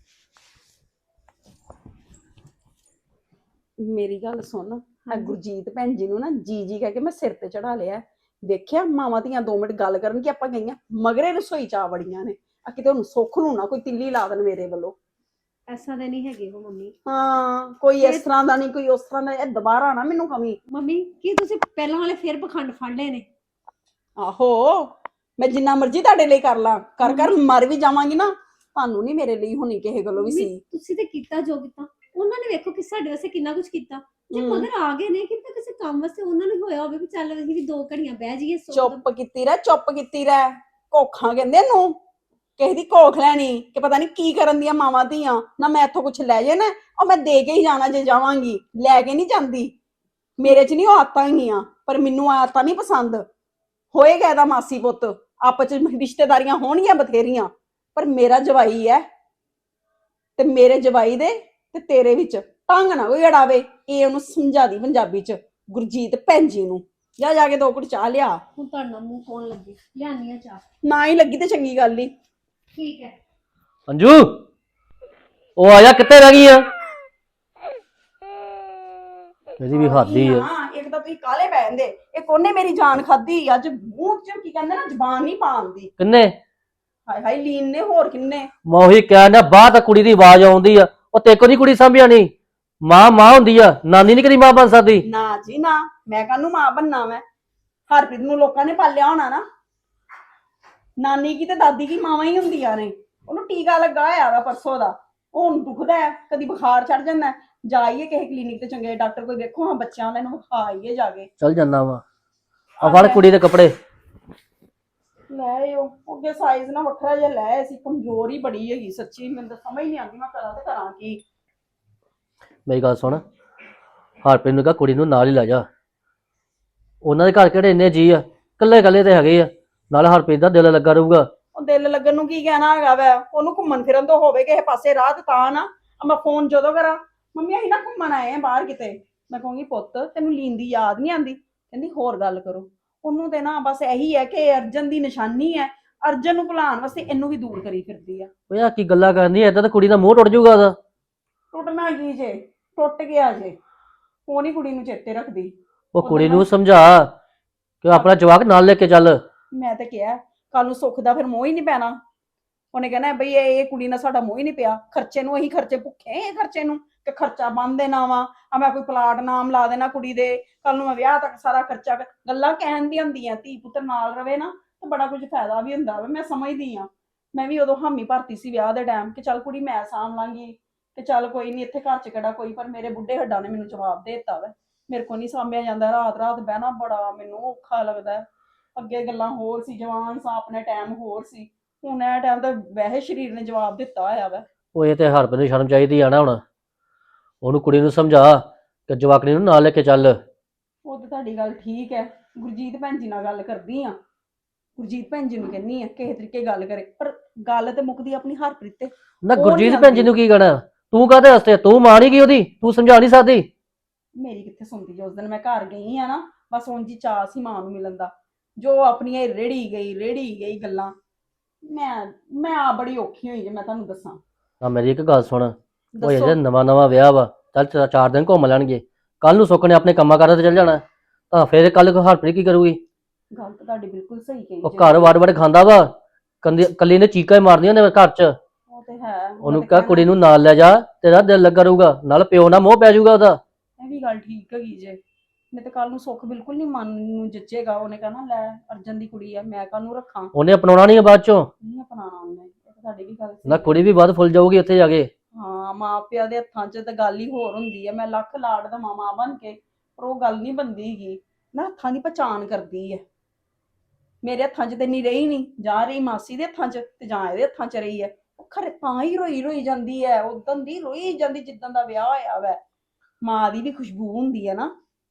C: ਮੇਰੀ ਗੱਲ ਸੁਣ, ਆ ਗੁਰਜੀਤ ਭੈਣ ਜੀ ਨੂੰ ਨਾ ਜੀ ਜੀ ਕਹਿ ਕੇ ਮੈਂ ਸਿਰ ਤੇ ਚੜਾ ਲਿਆ। ਦੇਖਿਆ ਮਾਵਾਂ ਧੀਆਂ ਦੋ ਮਿੰਟ ਗੱਲ ਕਰਨ ਕਿ ਆਪਾਂ ਗਈਆਂ ਮਗਰੇ ਰਸੋਈ ਚ ਆ ਵੜੀਆਂ ਨੇ। ਆ ਕਿਤੇ ਉਹਨੂੰ ਸੁੱਖ ਨੂੰ ਨਾ ਕੋਈ ਤਿੱਲੀ ਲਾ ਦੇਣ ਮੇਰੇ ਵੱਲੋਂ।
E: ਐਸਾ ਦੇ ਨਹੀਂ ਹੈਗੇ ਉਹ ਮੰਮੀ।
C: ਹਾਂ ਕੋਈ ਇਸ ਤਰ੍ਹਾਂ ਦਾ ਨਹੀਂ, ਕੋਈ ਉਸ ਤਰ੍ਹਾਂ ਦਾ। ਇਹ ਦੁਬਾਰਾ ਨਾ ਮੈਨੂੰ ਕਮੀ।
E: ਮੰਮੀ ਕੀ ਤੁਸੀਂ ਪਹਿਲਾਂ ਵਾਲੇ ਫਿਰ ਪਖੰਡ ਫੜ ਲਏ ਨੇ?
C: ਆਹੋ ਮੈਂ ਜਿੰਨਾ ਮਰਜ਼ੀ ਤੁਹਾਡੇ ਲਈ ਕਰ ਲਾਂ, ਕਰ ਕਰ ਮਰ ਵੀ ਜਾਵਾਂਗੀ ਨਾ, ਤੁਹਾਨੂੰ ਨਹੀਂ ਮੇਰੇ ਲਈ ਹੋਣੀ ਕਿਸੇ ਗੱਲੋਂ ਵੀ
E: ਮੰਮੀ,
C: ਸੀ।
E: ਤੁਸੀਂ ਤੇ ਕੀਤਾ ਜੋ ਕੀਤਾ, ਉਹਨਾਂ ਨੇ ਵੇਖੋ ਕਿ ਸਾਡੇ ਵਾਸਤੇ ਕਿੰਨਾ ਕੁਝ ਕੀਤਾ। ਜੇ
C: ਹਮ।
E: ਮਗਰ ਆ ਗਏ ਨੇ ਕਿ ਤਾਂ ਕਿਸੇ ਕੰਮ ਵਾਸਤੇ ਉਹਨਾਂ ਨੂੰ ਹੋਇਆ ਹੋਵੇ ਵੀ ਚੱਲ ਅਸੀਂ ਵੀ ਦੋ ਘੜੀਆਂ ਬਹਿ ਜਾਈਏ। ਸੋ
C: ਚੁੱਪ ਕੀਤੀ ਰਹਿ, ਚੁੱਪ ਕੀਤੀ ਰਹਿ। ਕੋਖਾਂ ਕਹਿੰਦੇ ਨੂੰ, ਕਿਸੇ ਦੀ ਕੋਖ ਲੈਣੀ ਕਿ ਪਤਾ ਨਹੀਂ ਕੀ ਕਰਨ ਦੀਆਂ ਮਾਵਾਂ ਧੀਆਂ। ਨਾ ਮੈਂ ਇੱਥੋਂ ਕੁਛ ਲੈ ਜੇ ਨਾ, ਉਹ ਮੈਂ ਦੇ ਕੇ ਹੀ ਜਾਣਾ ਜੇ ਜਾਵਾਂਗੀ, ਲੈ ਕੇ ਨਹੀਂ ਜਾਂਦੀ। ਮੇਰੇ 'ਚ ਨਹੀਂ ਉਹ ਆਦਤਾਂ ਹੈਗੀਆਂ, ਪਰ ਮੈਨੂੰ ਆਦਤਾਂ ਨਹੀਂ ਪਸੰਦ। ਹੋਏਗਾ ਇਹਦਾ ਮਾਸੀ ਪੁੱਤ, ਆਪਸ 'ਚ ਰਿਸ਼ਤੇਦਾਰੀਆਂ ਹੋਣਗੀਆਂ ਬਥੇਰੀਆਂ, ਪਰ ਮੇਰਾ ਜਵਾਈ ਹੈ ਤੇ ਮੇਰੇ ਜਵਾਈ ਦੇ ਤੇ ਤੇਰੇ ਵਿੱਚ ਢੰਗ ਨਾ ਕੋਈ ਅੜਾਵੇ। ਇਹ ਉਹਨੂੰ ਸਮਝਾ ਦੀ ਪੰਜਾਬੀ 'ਚ, ਗੁਰਜੀਤ ਭੈਣ ਜੀ ਨੂੰ। ਜਾ ਜਾ ਕੇ ਦੋ ਘੁੱਟ ਚਾਹ ਲਿਆ।
E: ਹੁਣ ਤੁਹਾਡਾ ਮੂੰਹ ਕੌਣ ਲੱਗੇ, ਲਿਆਨੀ ਆ ਚਾਹ।
C: ਨਾ ਹੀ ਲੱਗੀ ਤੇ ਚੰਗੀ ਗੱਲ ਹੀ।
E: ਠੀਕ ਹੈ।
F: ਅੰਜੂ, ਉਹ ਆਇਆ, ਕਿੱਥੇ ਰਹਿ ਗਈ ਆ? ਇਹਦੀ ਵੀ ਹੱਦ ਹੀ ਆ।
C: ਹਾਂ ਇੱਕ ਤਾਂ ਤੁਸੀਂ ਕਾਲੇ ਪੈ ਜਾਂਦੇ, ਇੱਕ ਉਹਨੇ ਮੇਰੀ ਜਾਨ ਖਾਧੀ। ਅੱਜ ਮੂੰਹ 'ਚ ਕੀ ਕਹਿੰਦੇ ਨਾ, ਜ਼ਬਾਨ ਨਹੀਂ ਪਾਉਂਦੀ।
F: ਕਿੰਨੇ?
C: ਹਾਏ ਹਾਏ ਲੀਨ ਨੇ, ਹੋਰ ਕਿੰਨੇ।
F: ਮੈਂ ਉਹੀ ਕਹਿਣਾ, ਬਾਹਰ ਤਾਂ ਕੁੜੀ ਦੀ ਆਵਾਜ਼ ਆਉਂਦੀ ਆ। ਉਹ ਤੇਕੋ ਦੀ ਕੁੜੀ ਸਾਂਭਿਆ ਨਹੀਂ। ਮਾਂ ਮਾਂ ਹੁੰਦੀ ਆ, ਨਾਨੀ ਨੀ ਕਦੀ ਮਾਂ ਬਣ ਸਕਦੀ।
C: ਨਾ ਜੀ ਨਾ, ਮੈਂ ਕਾਹਨੂੰ ਮਾਂ ਬੰਨਾ। ਮੈਂ ਹਰਪ੍ਰੀਤ ਨੂੰ ਲੋਕਾਂ ਨੇ ਪਾਲਿਆ ਹੋਣਾ ਨਾ। ਨਾਨੀ ਕੀ ਤੇ ਦਾਦੀ ਕੀ ਮਾਵਾਂ ਹੀ ਹੁੰਦੀਆਂ ਨੇ। ਉਹਨੂੰ ਟੀਕਾ ਲੱਗਾ ਹੋਇਆ ਵਾ ਪਰਸੋਂ ਦਾ, ਉਹ ਹੁਣ ਦੁਖਦਾ ਹੈ, ਕਦੀ ਬੁਖਾਰ ਚੜ ਜਾਂਦਾ। ਜਾਈਏ ਕਿਸੇ ਕਲੀਨਿਕ ਤੇ, ਚੰਗੇ ਡਾਕਟਰ ਕੋਈ ਵੇਖੋ ਹਾਂ, ਬੱਚਿਆਂ ਵਾਲਿਆਂ ਨੂੰ ਵਿਖਾਈਏ ਜਾ ਕੇ।
F: ਚੱਲ ਜਾਂਦਾ ਵਾ। ਆ ਫੜ ਕੁੜੀ ਦੇ ਕੱਪੜੇ
C: ਲੈ ਆਇਓ, ਅੱਗੇ ਸਾਈਜ਼ ਨਾ ਵੱਖਰਾ ਜਿਹਾ ਲੈ ਆਏ ਸੀ। ਕਮਜ਼ੋਰ ਹੀ ਬੜੀ ਹੈਗੀ ਸੱਚੀ, ਮੈਨੂੰ ਤਾਂ ਸਮਝ ਨਹੀਂ ਆਉਂਦੀ ਮੈਂ ਕਰਾਂ ਤੇ ਕਰਾਂ ਕੀ।
F: ਮੇਰੀ ਗੱਲ ਸੁਣ, ਹਰਪ੍ਰੀਤ ਨੂੰ ਕਹ ਕੁੜੀ ਨੂੰ ਨਾਲ ਹੀ ਲੈ ਜਾ। ਉਹਨਾਂ ਦੇ ਘਰ ਕਿਹੜੇ ਇੰਨੇ ਜੀ ਆ, ਕੱਲੇ ਕੱਲੇ ਤੇ ਹੈਗੇ ਆ। ਨਾਲ ਹਰਪ੍ਰੀਤ ਦਾ ਦਿਲ ਲੱਗਾ ਰਹੂਗਾ।
C: ਉਹ ਦਿਲ ਲੱਗਣ ਨੂੰ ਕੀ ਕਹਿਣਾ ਹੈਗਾ ਵੈ, ਉਹਨੂੰ ਘੁੰਮਣ ਫਿਰਨ ਤੋਂ ਹੋਵੇ ਕਿਸੇ ਪਾਸੇ ਰਾਹ ਤੇ ਤਾਂ ਨਾ। ਮੈਂ ਫੋਨ ਜਦੋਂ ਕਰਾਂ, ਮੰਮੀ ਅਸੀਂ ਨਾ ਘੁੰਮਣ ਆਏ ਆ ਬਾਹਰ ਕਿਤੇ, ਮੈਂ ਕਹੂੰਗੀ ਪੁੱਤ ਤੈਨੂੰ ਲੀਨ ਦੀ ਯਾਦ ਨਹੀਂ ਆਉਂਦੀ? ਕਹਿੰਦੀ ਹੋਰ ਗੱਲ ਕਰੋ। ਉਹਨੂੰ ਤੇ ਨਾ ਬਸ ਇਹੀ ਹੈ ਕਿ ਅਰਜਨ ਦੀ ਨਿਸ਼ਾਨੀ ਹੈ, ਅਰਜਨ ਨੂੰ ਭੁਲਾਉਣ ਵਾਸਤੇ ਇਹਨੂੰ ਵੀ ਦੂਰ ਕਰੀ ਫਿਰਦੀ ਆ।
F: ਓਏ ਆ ਕੀ ਗੱਲਾਂ ਕਰਨੀ, ਏਦਾਂ ਤਾਂ ਕੁੜੀ ਦਾ ਮੂੰਹ ਟੁੱਟ ਜਾਊਗਾ ਉਹਦਾ।
C: ਟੁੱਟਣਾ ਕੀ ਜੇ, ਟੁੱਟ ਗਿਆ ਜੇ। ਉਹ ਨੀ ਕੁੜੀ ਨੂੰ ਚੇਤੇ ਰੱਖਦੀ।
F: ਉਹ ਕੁੜੀ ਨੂੰ ਸਮਝਾ ਕਿ ਆਪਣਾ ਜਵਾਕ ਨਾਲ ਲੈ ਕੇ ਚੱਲ।
C: ਮੈਂ ਤੇ ਕਿਹਾ ਕੱਲ ਨੂੰ ਸੁੱਖ ਦਾ ਫਿਰ ਮੋਹ ਹੀ ਨਹੀਂ ਪੈਣਾ। ਉਹਨੇ ਕਹਿਣਾ ਬਈ ਇਹ ਇਹ ਕੁੜੀ ਨਾਲ ਸਾਡਾ ਮੋਹ ਹੀ ਨਹੀਂ ਪਿਆ। ਖਰਚੇ ਨੂੰ ਅਸੀਂ ਖਰਚੇ ਭੁੱਖੇ ਇਹ ਖਰਚੇ ਨੂੰ, ਕਿ ਖਰਚਾ ਬੰਨ ਦੇਣਾ ਵਾ। ਆ ਮੈਂ ਕੋਈ ਪਲਾਟ ਨਾਮ ਲਾ ਦੇਣਾ ਕੁੜੀ ਦੇ, ਕੱਲ ਨੂੰ ਮੈਂ ਵਿਆਹ ਤੱਕ ਸਾਰਾ ਖਰਚਾ। ਗੱਲਾਂ ਕਹਿਣ ਦੀਆਂ ਹੁੰਦੀਆਂ, ਧੀ ਪੁੱਤਰ ਨਾਲ ਰਵੇ ਨਾ ਤੇ ਬੜਾ ਕੁਝ ਫਾਇਦਾ ਵੀ ਹੁੰਦਾ ਵਾ। ਮੈਂ ਸਮਝਦੀ ਆ, ਮੈਂ ਵੀ ਉਦੋਂ ਹਾਮੀ ਭਰਤੀ ਸੀ ਵਿਆਹ ਦੇ ਟਾਈਮ ਕਿ ਚੱਲ ਕੁੜੀ ਮੈਂ ਸਾਂਭ ਲਾਂਗੀ, ਤੇ ਚੱਲ ਕੋਈ ਨਹੀਂ ਇੱਥੇ ਘਰ ਚ ਕਿਹੜਾ ਕੋਈ। ਪਰ ਮੇਰੇ ਬੁੱਢੇ ਹੱਡਾਂ ਨੇ ਮੈਨੂੰ ਜਵਾਬ ਦੇ ਦਿੱਤਾ ਵਾ, ਮੇਰੇ ਕੋਲ ਨਹੀਂ ਸਾਂਭਿਆ ਜਾਂਦਾ। ਰਾਤ ਰਾਤ ਬਹਿਣਾ ਬੜਾ ਮੈਨੂੰ ਔਖਾ ਲੱਗਦਾ। ਅੱਗੇ ਗੱਲਾਂ ਹੋਰ ਸੀ, ਜਵਾਨ ਸਾਂ, ਆਪਣੇ ਟਾਈਮ ਹੋਰ ਸੀ। ਹੁਣ ਇਹ ਟਾਈਮ ਤਾਂ ਵੈਸੇ ਸਰੀਰ ਨੇ ਜਵਾਬ ਦਿੱਤਾ ਹੋਇਆ ਵਾ।
F: ਉਹ ਇਹ ਤੇ ਹਰਪ੍ਰੀਤ ਨੂੰ ਸ਼ਰਮ ਚਾਹੀਦੀ ਆ ਨਾ। ਹੁਣ ਉਹਨੂੰ ਕੁੜੀ ਨੂੰ ਸਮਝਾ ਕਿ ਜਵਾਕੜੀ ਨੂੰ ਨਾਲ ਲੈ ਕੇ ਚੱਲ।
C: ਉਹ ਤਾਂ ਤੁਹਾਡੀ ਗੱਲ ਠੀਕ ਹੈ, ਗੁਰਜੀਤ ਭੈਣ ਜੀ ਨਾਲ ਗੱਲ ਕਰਦੀ ਆ। ਗੁਰਜੀਤ ਭੈਣ ਜੀ ਨੂੰ ਕਹਿੰਨੀ ਆ ਕਿਸੇ ਤਰੀਕੇ ਗੱਲ ਕਰੇ, ਪਰ ਗੱਲ ਤੇ ਮੁੱਕਦੀ ਆਪਣੀ ਹਰਪ੍ਰੀਤ ਤੇ।
F: ਨਾ
C: ਉਹ
F: ਗੁਰਜੀਤ
C: ਨੀ
F: ਭੈਣ ਜੀ ਨੂੰ ਕੀ ਕਹਿਣਾ? ਤੂੰ ਕਾਹਦੇ ਵਾਸਤੇ? ਤੂੰ ਮਾਂ ਨੀ ਗਈ ਉਹਦੀ, ਤੂੰ ਸਮਝਾ ਨਹੀਂ ਸਕਦੀ?
C: ਮੇਰੀ ਕਿੱਥੇ ਸੁਣਦੀ ਜੇ। ਉਸ ਦਿਨ ਮੈਂ ਘਰ ਗਈ ਆ ਨਾ, ਬਸ ਉਂਝ ਹੀ ਚਾਅ ਸੀ ਮਾਂ ਨੂੰ ਮਿਲਣ ਦਾ। ਜੋ ਆਪਣੀਆਂ ਰੇੜੀ ਗਈ ਰੇੜੀ ਗਈ ਗੱਲਾਂ। ਮੈਂ ਮੈਂ ਆ ਬੜੀ ਔਖੀ ਹੋਈ ਜੇ, ਮੈਂ ਤੁਹਾਨੂੰ ਦੱਸਾਂ।
F: ਨਾ ਮੇਰੀ ਇੱਕ ਗੱਲ ਸੁਣ, ਉਹ
C: ਦੱਸੋ।
F: ਅਜੇ ਨਵਾਂ ਨਵਾਂ ਵਿਆਹ ਵਾ। ਚੱਲ ਚਾ- ਚਾਰ ਦਿਨ ਘੁੰਮ ਲੈਣਗੇ, ਕੱਲ ਨੂੰ ਸੁੱਖ ਨੇ ਆਪਣੇ ਕੰਮਾਂ ਕਾਰਾਂ ਤੇ ਚੱਲ ਜਾਣਾ। ਤਾਂ ਫਿਰ ਕੱਲ ਹਰਪ੍ਰੀਤ ਕੀ ਕਰੂਗੀ?
C: ਗੱਲ ਤਾਂ ਤੁਹਾਡੀ ਬਿਲਕੁਲ ਸਹੀ ਕਹੀ
F: ਉਹ
C: ਜੇ।
F: ਘਰ ਵੜ ਵੜ ਖਾਂਦਾ ਵਾ, ਕੰਦੀ ਕੱਲੀ ਨੇ ਚੀਕਾਂ ਹੀ ਮਾਰਦੀਆਂ ਨੇ ਘਰ 'ਚ।
C: ਉਹ ਤੇ ਹੈ।
F: ਉਹਨੂੰ ਕਹ ਕੁੜੀ ਨੂੰ ਨਾਲ ਲੈ ਜਾ, ਤੇਰਾ ਦਿਲ ਲੱਗਾ ਰਹੂਗਾ। ਨਾਲ ਪਿਓ ਨਾਲ ਮੋਹ ਪੈ ਜਾਊਗਾ ਉਹਦਾ।
C: ਇਹ ਵੀ ਗੱਲ ਠੀਕ ਹੈਗੀ ਜੇ। ਨਹੀਂ ਤੇ ਕੱਲ ਨੂੰ ਸੁੱਖ ਬਿਲਕੁਲ ਨਹੀਂ ਮਨ ਨੂੰ ਜੱਚੇਗਾ। ਉਹਨੇ ਕਹਿਣਾ ਲੈ ਅਰਜਨ ਦੀ ਕੁੜੀ ਆ, ਮੈਂ ਕਾਹਨੂੰ ਰੱਖਾਂ।
F: ਉਹਨੇ ਅਪਣਾਉਣਾ ਨਹੀਂ ਬਾਅਦ ਚੋਂ।
C: ਨਹੀਂ ਅਪਣਾਉਣਾ ਉਹਨੇ। ਇਹ ਤਾਂ ਤੁਹਾਡੀ ਵੀ ਗੱਲ
F: ਨਾ
C: ਸਹੀ
F: ਕੁੜੀ ਵੀ ਵੱਧ ਫੁੱਲ ਜਾਊਗੀ ਉੱਥੇ ਜਾ ਕੇ।
C: ਹਾਂ ਮਾਂ ਪਿਓ ਦੇ ਹੱਥਾਂ 'ਚ ਤਾਂ ਗੱਲ ਹੀ ਹੋਰ ਹੁੰਦੀ ਹੈ। ਮੈਂ ਲੱਖ ਲਾਡ ਦਾ ਮਾਂ ਬਣ ਕੇ, ਪਰ ਉਹ ਗੱਲ ਨਹੀਂ ਬਣਦੀ ਹੈਗੀ ਨਾ। ਹੱਥਾਂ ਦੀ ਪਛਾਣ ਕਰਦੀ ਹੈ। ਮੇਰੇ ਹੱਥਾਂ 'ਚ ਤੇ ਨਹੀਂ ਰਹੀ ਨਹੀਂ, ਜਾਂ ਰਹੀ ਮਾਸੀ ਦੇ ਹੱਥਾਂ 'ਚ ਤੇ ਜਾਂ ਇਹਦੇ ਹੱਥਾਂ 'ਚ ਰਹੀ ਹੈ। ਉਹ ਖਰੇ ਤਾਂ ਹੀ ਰੋਈ ਰੋਈ ਜਾਂਦੀ ਹੈ, ਉਦੋਂ ਦੀ ਰੋਈ ਜਾਂਦੀ ਜਿੱਦਾਂ ਦਾ ਵਿਆਹ ਹੋਇਆ ਵੈ। ਮਾਂ ਦੀ ਵੀ ਖੁਸ਼ਬੂ ਹੁੰਦੀ ਹੈ ਨਾ,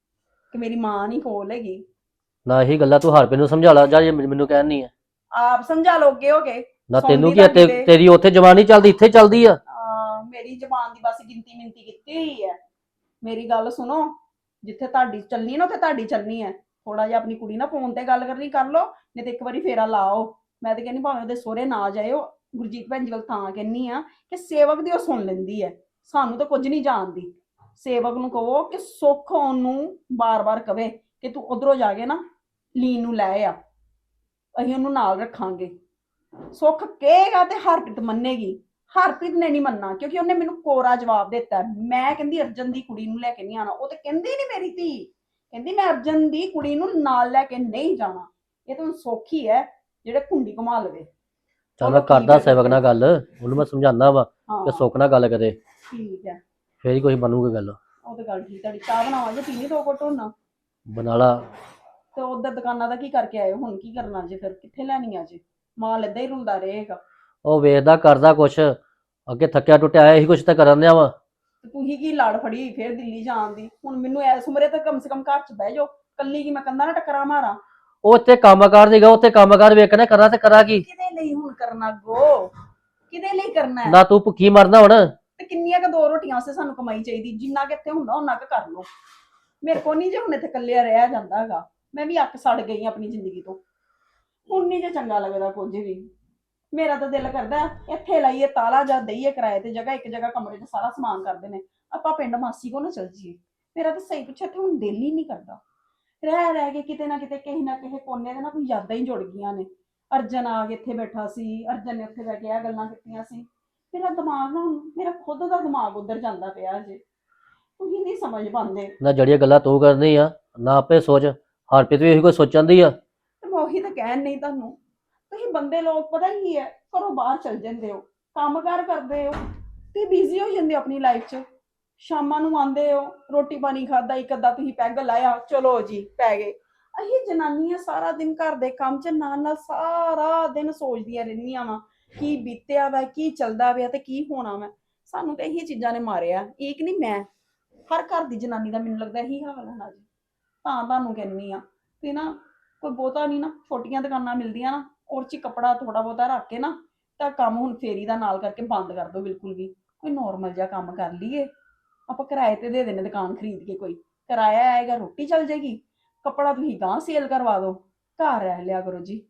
C: ਕਿ ਮੇਰੀ ਮਾਂ ਨਹੀਂ ਕੋਲ ਹੈਗੀ।
F: ਨਾ ਇਹੀ ਗੱਲਾਂ ਤੂੰ ਹਰਪ੍ਰੀਤ ਨੂੰ ਸਮਝਾ ਲਾ ਜਾਂ ਜੇ ਮੈਨੂੰ ਕਹਿਣੀ ਆ।
C: ਆਪ ਸਮਝਾ ਲੋਗੇ ਹੋਗੇ।
F: ਨਾ ਤੈਨੂੰ
C: ਸੁਣਦੀ
F: ਕੀ ਆ, ਤੇ-
C: ਤੁਹਾਡੀ
F: ਤੇਰੀ ਉੱਥੇ ਜਵਾਨੀ ਚੱਲਦੀ, ਇੱਥੇ ਚੱਲਦੀ ਆ।
C: ਆ ਮੇਰੀ ਜ਼ਬਾਨ ਦੀ ਬਸ ਗਿਣਤੀ ਮਿੰਤੀ ਕੀਤੀ ਹੋਈ ਹੈ। ਮੇਰੀ ਗੱਲ ਸੁਣੋ, ਜਿੱਥੇ ਤੁਹਾਡੀ ਚੱਲਣੀ ਨਾ ਉੱਥੇ ਤੁਹਾਡੀ ਚੱਲਣੀ ਹੈ। ਥੋੜਾ ਜਿਹਾ ਆਪਣੀ ਕੁੜੀ ਨਾਲ ਫੋਨ ਤੇ ਗੱਲ ਕਰਨੀ ਕਰ ਲਓ, ਨਹੀਂ ਤੇ ਇੱਕ ਵਾਰੀ ਫੇਰਾ ਲਾਓ। ਮੈਂ ਤੇ ਕਹਿੰਦੀ ਭਾਵੇਂ ਉਹਦੇ ਸਹੁਰੇ ਨਾ ਜਾਇਓ, ਗੁਰਜੀਤ ਭੈਣ ਜੀ ਵੱਲ ਤਾਂ ਕਹਿੰਨੀ ਆ ਕਿ ਸੇਵਕ ਦੀ ਉਹ ਸੁਣ ਲੈਂਦੀ ਹੈ, ਸਾਨੂੰ ਤਾਂ ਕੁਝ ਨਹੀਂ ਜਾਣਦੀ। ਸੇਵਕ ਨੂੰ ਕਹੋ ਕਿ ਸੁੱਖ ਉਹਨੂੰ ਬਾਰ-ਬਾਰ ਕਵੇ ਕਿ ਤੂੰ ਉਧਰੋਂ ਜਾ ਕੇ ਨਾ ਲੀਨ ਨੂੰ ਲੈ ਆ, ਅਸੀਂ ਉਹਨੂੰ ਨਾਲ ਰੱਖਾਂਗੇ। ਸੁੱਖ ਕਹੇਗਾ ਤੇ ਹਰਪ੍ਰੀਤ ਮੰਨੇਗੀ। ਹਰਪ੍ਰੀਤ ਨੇ ਨਹੀਂ ਮੰਨਣਾ, ਕਿਉਂਕਿ ਉਹਨੇ ਮੈਨੂੰ ਕੋਰਾ ਜਵਾਬ ਦਿੱਤਾ। ਮੈਂ ਕਹਿੰਦੀ ਅਰਜਨ ਦੀ ਕੁੜੀ ਨੂੰ ਲੈ ਕੇ ਨਹੀਂ ਆਣਾ, ਉਹ ਤੇ ਕਹਿੰਦੀ ਨਹੀਂ ਮੇਰੀ ਧੀ, ਕਹਿੰਦੀ ਮੈਂ ਅਰਜਨ ਦੀ ਕੁੜੀ ਨੂੰ ਨਾਲ ਲੈ ਕੇ ਨਹੀਂ ਜਾਣਾ। ਇਹ ਤਾਂ ਸੌਖੀ ਹੈ ਜਿਹੜੇ ਕੁੰਡੀ ਘੁਮਾ ਲਵੇ।
F: ਚੱਲ ਮੈਂ ਕਰਦਾ ਸੇਵਕ ਨਾਲ ਗੱਲ, ਉਹਨੂੰ ਮੈਂ ਸਮਝਾਉਂਦਾ ਵਾ
C: ਹਾਂ
F: ਕਿ ਸੁੱਖ ਨਾਲ ਗੱਲ ਕਰੇ,
C: ਠੀਕ ਹੈ,
F: ਫੇਰ ਹੀ ਕੋਈ ਬਣੂਗੀ ਗੱਲ।
C: ਉਹ ਤਾਂ ਗੱਲ ਠੀਕ। ਤੁਹਾਡੀ ਚਾਹ ਬਣਾਵਾਂਗੇ, ਪੀਣੀ ਦੋ ਘੁੱਟ ਹੁਣ।
F: ਬਣਾ ਲਾ।
C: ਤੇ ਉਧਰ ਦੁਕਾਨਾਂ ਦਾ ਕੀ ਕਰਕੇ ਆਏ ਹੋ? ਹੁਣ ਕੀ ਕਰਨਾ ਜੇ? ਫਿਰ ਕਿੱਥੇ ਲੈਣੀ ਆ ਜੇ? ਮਾਲ ਏਦਾਂ ਹੀ ਰੁਲਦਾ ਰਹੇਗਾ।
F: ਉਹ ਵੇਖਦਾ ਕਰਦਾ ਕੁਛ, ਅੱਗੇ ਥੱਕਿਆ ਟੁੱਟਿਆ ਆਇਆ, ਇਹੀ ਕੁਛ ਤਾਂ ਕਰਨ ਦਿਆ ਵਾ।
C: ਤੇ ਤੁਸੀਂ ਕੀ ਲੜ ਫੜੀ ਹੋਈ ਫਿਰ ਦਿੱਲੀ ਜਾਣ ਦੀ? ਹੁਣ ਮੈਨੂੰ ਐਸ ਉਮਰੇ ਤਾਂ ਕਮ ਸੇ ਕਮ ਘਰ 'ਚ ਬਹਿ ਜਾਓ। ਕੱਲੀ ਕੀ ਮੈਂ ਕੰਧਾਂ ਨਾਲ ਟੱਕਰਾਂ ਮਾਰਾਂ?
F: ਉਹ ਉੱਥੇ ਕੰਮਕਾਰ ਸੀਗਾ, ਉੱਥੇ ਕੰਮਕਾਰ ਵੇਖਣਾ, ਕਰਾਂ ਤੇ ਕਰਾਂ ਕੀ?
C: ਕਿਹਦੇ ਲਈ ਹੁਣ ਕਰਨਾ ਗੋ? ਕਿਹਦੇ ਲਈ ਕਰਨਾ ਹੈ?
F: ਨਾ ਤੂੰ ਭੁੱਖੀ ਮਰਨਾ ਹੁਣ।
C: ਤੇ ਕਿੰਨੀਆਂ ਕ ਦੋ ਰੋਟੀਆਂ ਵਾਸਤੇ ਸਾਨੂੰ ਕਮਾਈ ਚਾਹੀਦੀ? ਜਿੰਨਾ ਕਿ ਇੱਥੇ ਹੁੰਦਾ ਉਹਨਾਂ ਕ ਕਰ ਲਓ। ਮੇਰੇ ਕੋ ਨਹੀਂ ਜੇ ਹੁਣ ਇੱਥੇ ਇਕੱਲਿਆ ਰਹਿਆ ਜਾਂਦਾ ਹੈਗਾ। ਮੈਂ ਵੀ ਅੱਕ ਸੜ ਗਈ ਆਪਣੀ ਜ਼ਿੰਦਗੀ ਤੋਂ। ਹੁਣ ਨਹੀਂ ਜੇ ਚੰਗਾ ਲੱਗਦਾ ਕੁਝ ਵੀ। ਮੇਰਾ ਤਾਂ ਦਿਲ ਕਰਦਾ ਇੱਥੇ ਲਾਈਏ ਤਾਲਾ ਜਾਂ ਦਈਏ ਕਿਰਾਏ ਤੇ ਜਗ੍ਹਾ, ਇੱਕ ਜਗ੍ਹਾ ਕਮਰੇ 'ਚ ਸਾਰਾ ਸਮਾਨ ਕਰਦੇ ਨੇ, ਆਪਾਂ ਪਿੰਡ ਮਾਸੀ ਕੋ ਨਾ ਚੱਲ ਜੀਏ। ਮੇਰਾ ਤਾਂ ਸਹੀ ਪੁੱਛਿਆ ਇੱਥੇ ਹੁਣ ਦਿਲ ਹੀ ਨਹੀਂ ਕਰਦਾ। ਰਹਿ ਰਹਿ ਕੇ ਕਿਤੇ ਨਾ ਕਿਤੇ ਕਿਸੇ ਨਾ ਕਿਸੇ ਕੋਨੇ ਦੇ ਨਾ ਕੋਈ ਯਾਦਾਂ ਹੀ ਜੁੜ ਗਈਆਂ ਨੇ। ਅਰਜਨ ਆ ਕੇ ਇੱਥੇ ਬੈਠਾ ਸੀ, ਅਰਜਨ ਨੇ ਉੱਥੇ ਬਹਿ ਕੇ ਇਹ ਗੱਲਾਂ ਕੀਤੀਆਂ ਸੀ। ਮੇਰਾ ਦਿਮਾਗ ਨਾ, ਮੇਰਾ ਖੁਦ ਦਾ ਦਿਮਾਗ ਉੱਧਰ ਜਾਂਦਾ ਪਿਆ ਜੇ। ਤੁਸੀਂ ਨਹੀਂ ਸਮਝ ਪਾਉਂਦੇ।
F: ਨਾ ਜਿਹੜੀਆਂ ਗੱਲਾਂ ਤੂੰ ਕਰਨੀ ਆ, ਨਾ ਆਪੇ ਸੋਚ। ਹਰਪ੍ਰੀਤ ਵੀ ਇਹੀ ਕੋਈ ਸੋਚਣ ਦੀ ਆ।
C: ਤੇ ਮੈਂ ਉਹੀ ਤਾਂ ਕਹਿਣ ਨਹੀਂ ਤੁਹਾਨੂੰ। ਤੁਸੀਂ ਬੰਦੇ ਲੋਕ ਪਤਾ ਕੀ ਹੈ, ਘਰੋਂ ਬਾਹਰ ਚਲ ਜਾਂਦੇ ਹੋ, ਕੰਮਕਾਰ ਕਰਦੇ ਹੋ ਤੇ ਬਿਜ਼ੀ ਹੋ ਜਾਂਦੇ ਹੋ ਆਪਣੀ ਲਾਈਫ 'ਚ। ਸ਼ਾਮਾਂ ਨੂੰ ਆਉਂਦੇ ਹੋ, ਰੋਟੀ ਪਾਣੀ ਖਾਦਾ, ਇੱਕ ਅੱਧਾ ਤੁਸੀਂ ਪੈਗ ਲਾਇਆ, ਚਲੋ ਜੀ ਪੈ ਗਏ। ਅਸੀਂ ਜਨਾਨੀਆਂ ਸਾਰਾ ਦਿਨ ਘਰ ਦੇ ਕੰਮ 'ਚ ਨਾਲ ਨਾਲ ਸਾਰਾ ਦਿਨ ਸੋਚਦੀਆਂ ਰਹਿੰਦੀਆਂ ਵਾ ਕੀ ਬੀਤਿਆ ਵਾ, ਕੀ ਚੱਲਦਾ ਪਿਆ ਤੇ ਕੀ ਹੋਣਾ ਵਾ। ਸਾਨੂੰ ਤਾਂ ਇਹੀ ਚੀਜ਼ਾਂ ਨੇ ਮਾਰਿਆ। ਇੱਕ ਨਹੀਂ, ਮੈਂ ਹਰ ਘਰ ਦੀ ਜਨਾਨੀ ਦਾ ਮੈਨੂੰ ਲੱਗਦਾ ਇਹੀ ਹਾਲ ਹੋਣਾ ਜੀ। ਤਾਂ ਤੁਹਾਨੂੰ ਕਹਿੰਦੀ ਆ ਤੇ ਨਾ ਕੋਈ ਬਹੁਤਾ ਨਹੀਂ ਨਾ, ਛੋਟੀਆਂ ਦੁਕਾਨਾਂ ਮਿਲਦੀਆਂ ਨਾ, ਔਰ 'ਚ ਕੱਪੜਾ ਥੋੜਾ ਬਹੁਤਾ ਰੱਖ ਕੇ ਨਾ ਤਾਂ ਕੰਮ ਹੁਣ ਫੇਰੀ ਦਾ ਨਾਲ ਕਰਕੇ ਬੰਦ ਕਰ ਦਿਓ ਬਿਲਕੁਲ ਵੀ। ਕੋਈ ਨੋਰਮਲ ਜਿਹਾ ਕੰਮ ਕਰ ਲਈਏ ਆਪਾਂ। ਕਿਰਾਏ ਤੇ ਦੇ ਦੇਣੇ ਦੁਕਾਨ ਖਰੀਦ ਕੇ, ਕੋਈ ਕਿਰਾਇਆ ਆਏਗਾ, ਰੋਟੀ ਚੱਲ ਜਾਏਗੀ, ਕੱਪੜਾ ਤੁਸੀਂ ਗਾਂ ਸੇਲ ਕਰਵਾ ਦਿਓ, ਘਰ ਰਹਿ ਲਿਆ ਕਰੋ ਜੀ।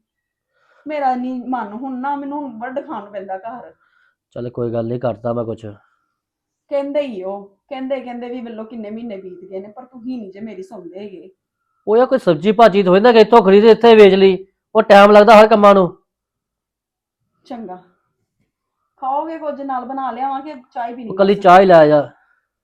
C: ਮੇਰਾ ਨਹੀਂ ਮਨ ਹੁਣ ਨਾ, ਮੈਨੂੰ ਹੁਣ ਵੱਢ ਖਾਣ ਨੂੰ ਪੈਂਦਾ ਘਰ।
F: ਚੱਲ ਕੋਈ ਗੱਲ ਨਹੀਂ, ਕਰਦਾ ਮੈਂ ਕੁਛ।
C: ਕਹਿੰਦੇ ਹੀ ਉਹ ਕਹਿੰਦੇ ਕਹਿੰਦੇ ਵੀ ਵੱਲੋਂ ਕਿੰਨੇ ਮਹੀਨੇ ਬੀਤ ਗਏ ਨੇ, ਪਰ ਤੁਸੀਂ ਨਹੀਂ ਜੇ ਮੇਰੀ ਸੁਣਦੇ ਹੈਗੇ।
F: ਉਹ ਯਾ ਕੋਈ ਸਬਜ਼ੀ ਭਾਜੀ ਤੋਂ ਨਾ ਕਿ ਇੱਥੋਂ ਖਰੀਦ ਇੱਥੇ ਵੇਚ ਲਈ, ਉਹ ਟਾਈਮ ਲੱਗਦਾ ਹਰ ਕੰਮਾਂ ਨੂੰ।
C: ਚੰਗਾ, ਖਾਓਗੇ ਕੁਝ ਨਾਲ ਬਣਾ ਲਿਆਵਾਂਗੇ, ਚਾਹ ਪੀਣੀ?
F: ਕੱਲੀ ਚਾਹ ਹੀ ਲੈ ਜਾ।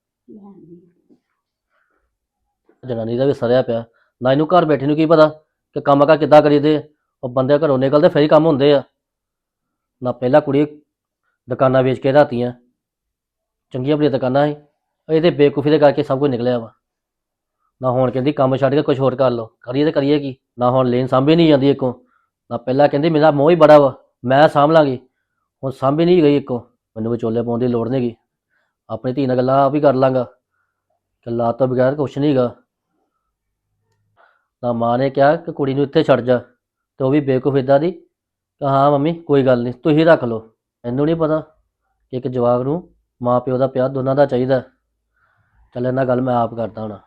F: ਜਨਾਨੀ ਦਾ ਵੀ ਸਰਿਆ ਪਿਆ ਨਾ, ਇਹਨੂੰ ਘਰ ਬੈਠੇ ਨੂੰ ਕੀ ਪਤਾ ਕਿ ਕੰਮ ਕਾ ਕਿੱਦਾਂ ਕਰੀਦੇ। ਉਹ ਬੰਦੇ ਘਰੋਂ ਨਿਕਲਦੇ ਫਿਰ ਹੀ ਕੰਮ ਹੁੰਦੇ ਆ। ਨਾ ਪਹਿਲਾਂ ਕੁੜੀ ਦੁਕਾਨਾਂ ਵੇਚ ਕੇ ਰਾਤੀਆਂ, ਚੰਗੀਆਂ ਬੜੀਆਂ ਦੁਕਾਨਾਂ ਸੀ, ਇਹਦੇ ਬੇਵਕੂਫੀ ਦੇ ਕਰਕੇ ਸਭ ਕੁਝ ਨਿਕਲਿਆ ਵਾ। ਨਾ ਹੁਣ ਕਹਿੰਦੀ ਕੰਮ ਛੱਡ ਕੇ ਕੁਝ ਹੋਰ ਕਰ ਲਓ, ਕਰੀਏ ਤੇ ਕਰੀਏ ਕੀ? ਨਾ ਹੁਣ ਲੇਨ ਸਾਂਭੀ ਨਹੀਂ ਜਾਂਦੀ ਇੱਕੋ। ਨਾ ਪਹਿਲਾਂ ਕਹਿੰਦੀ ਮੇਰਾ ਮੋਹ ਹੀ ਬੜਾ ਵਾ, ਮੈਂ ਸਾਂਭ ਲਾਂਗੀ, ਹੁਣ ਸਾਂਭੀ ਨਹੀਂ ਗਈ ਇੱਕੋ। ਮੈਨੂੰ ਵਿਚੋਲੇ ਪਾਉਣ ਦੀ ਲੋੜ ਨਹੀਂ ਗੀ, ਆਪਣੀ ਧੀ ਨਾਲ ਗੱਲਾਂ ਆਪ ਹੀ ਕਰ ਲਾਂਗਾ। ਗੱਲਾਂ ਤੋਂ ਬਗੈਰ ਕੁਛ ਨਹੀਂ ਗਾ। ਤਾਂ ਮਾਂ ਨੇ ਕਿਹਾ ਕਿ ਕੁੜੀ ਨੂੰ ਇੱਥੇ ਛੱਡ ਜਾ, ਤੇ ਉਹ ਵੀ ਬੇਵਕੂਫ ਇੱਦਾਂ ਦੀ ਕਿ ਹਾਂ ਮੰਮੀ ਕੋਈ ਗੱਲ ਨਹੀਂ ਤੁਸੀਂ ਰੱਖ ਲਓ। ਮੈਨੂੰ ਨਹੀਂ ਪਤਾ ਕਿ ਇੱਕ ਜਵਾਕ ਨੂੰ ਮਾਂ ਪਿਓ ਦਾ ਪਿਆਰ ਦੋਨਾਂ ਦਾ ਚਾਹੀਦਾ। ਚੱਲ ਇਹਨਾਂ ਗੱਲ ਮੈਂ ਆਪ ਕਰਦਾ ਹੁਣ।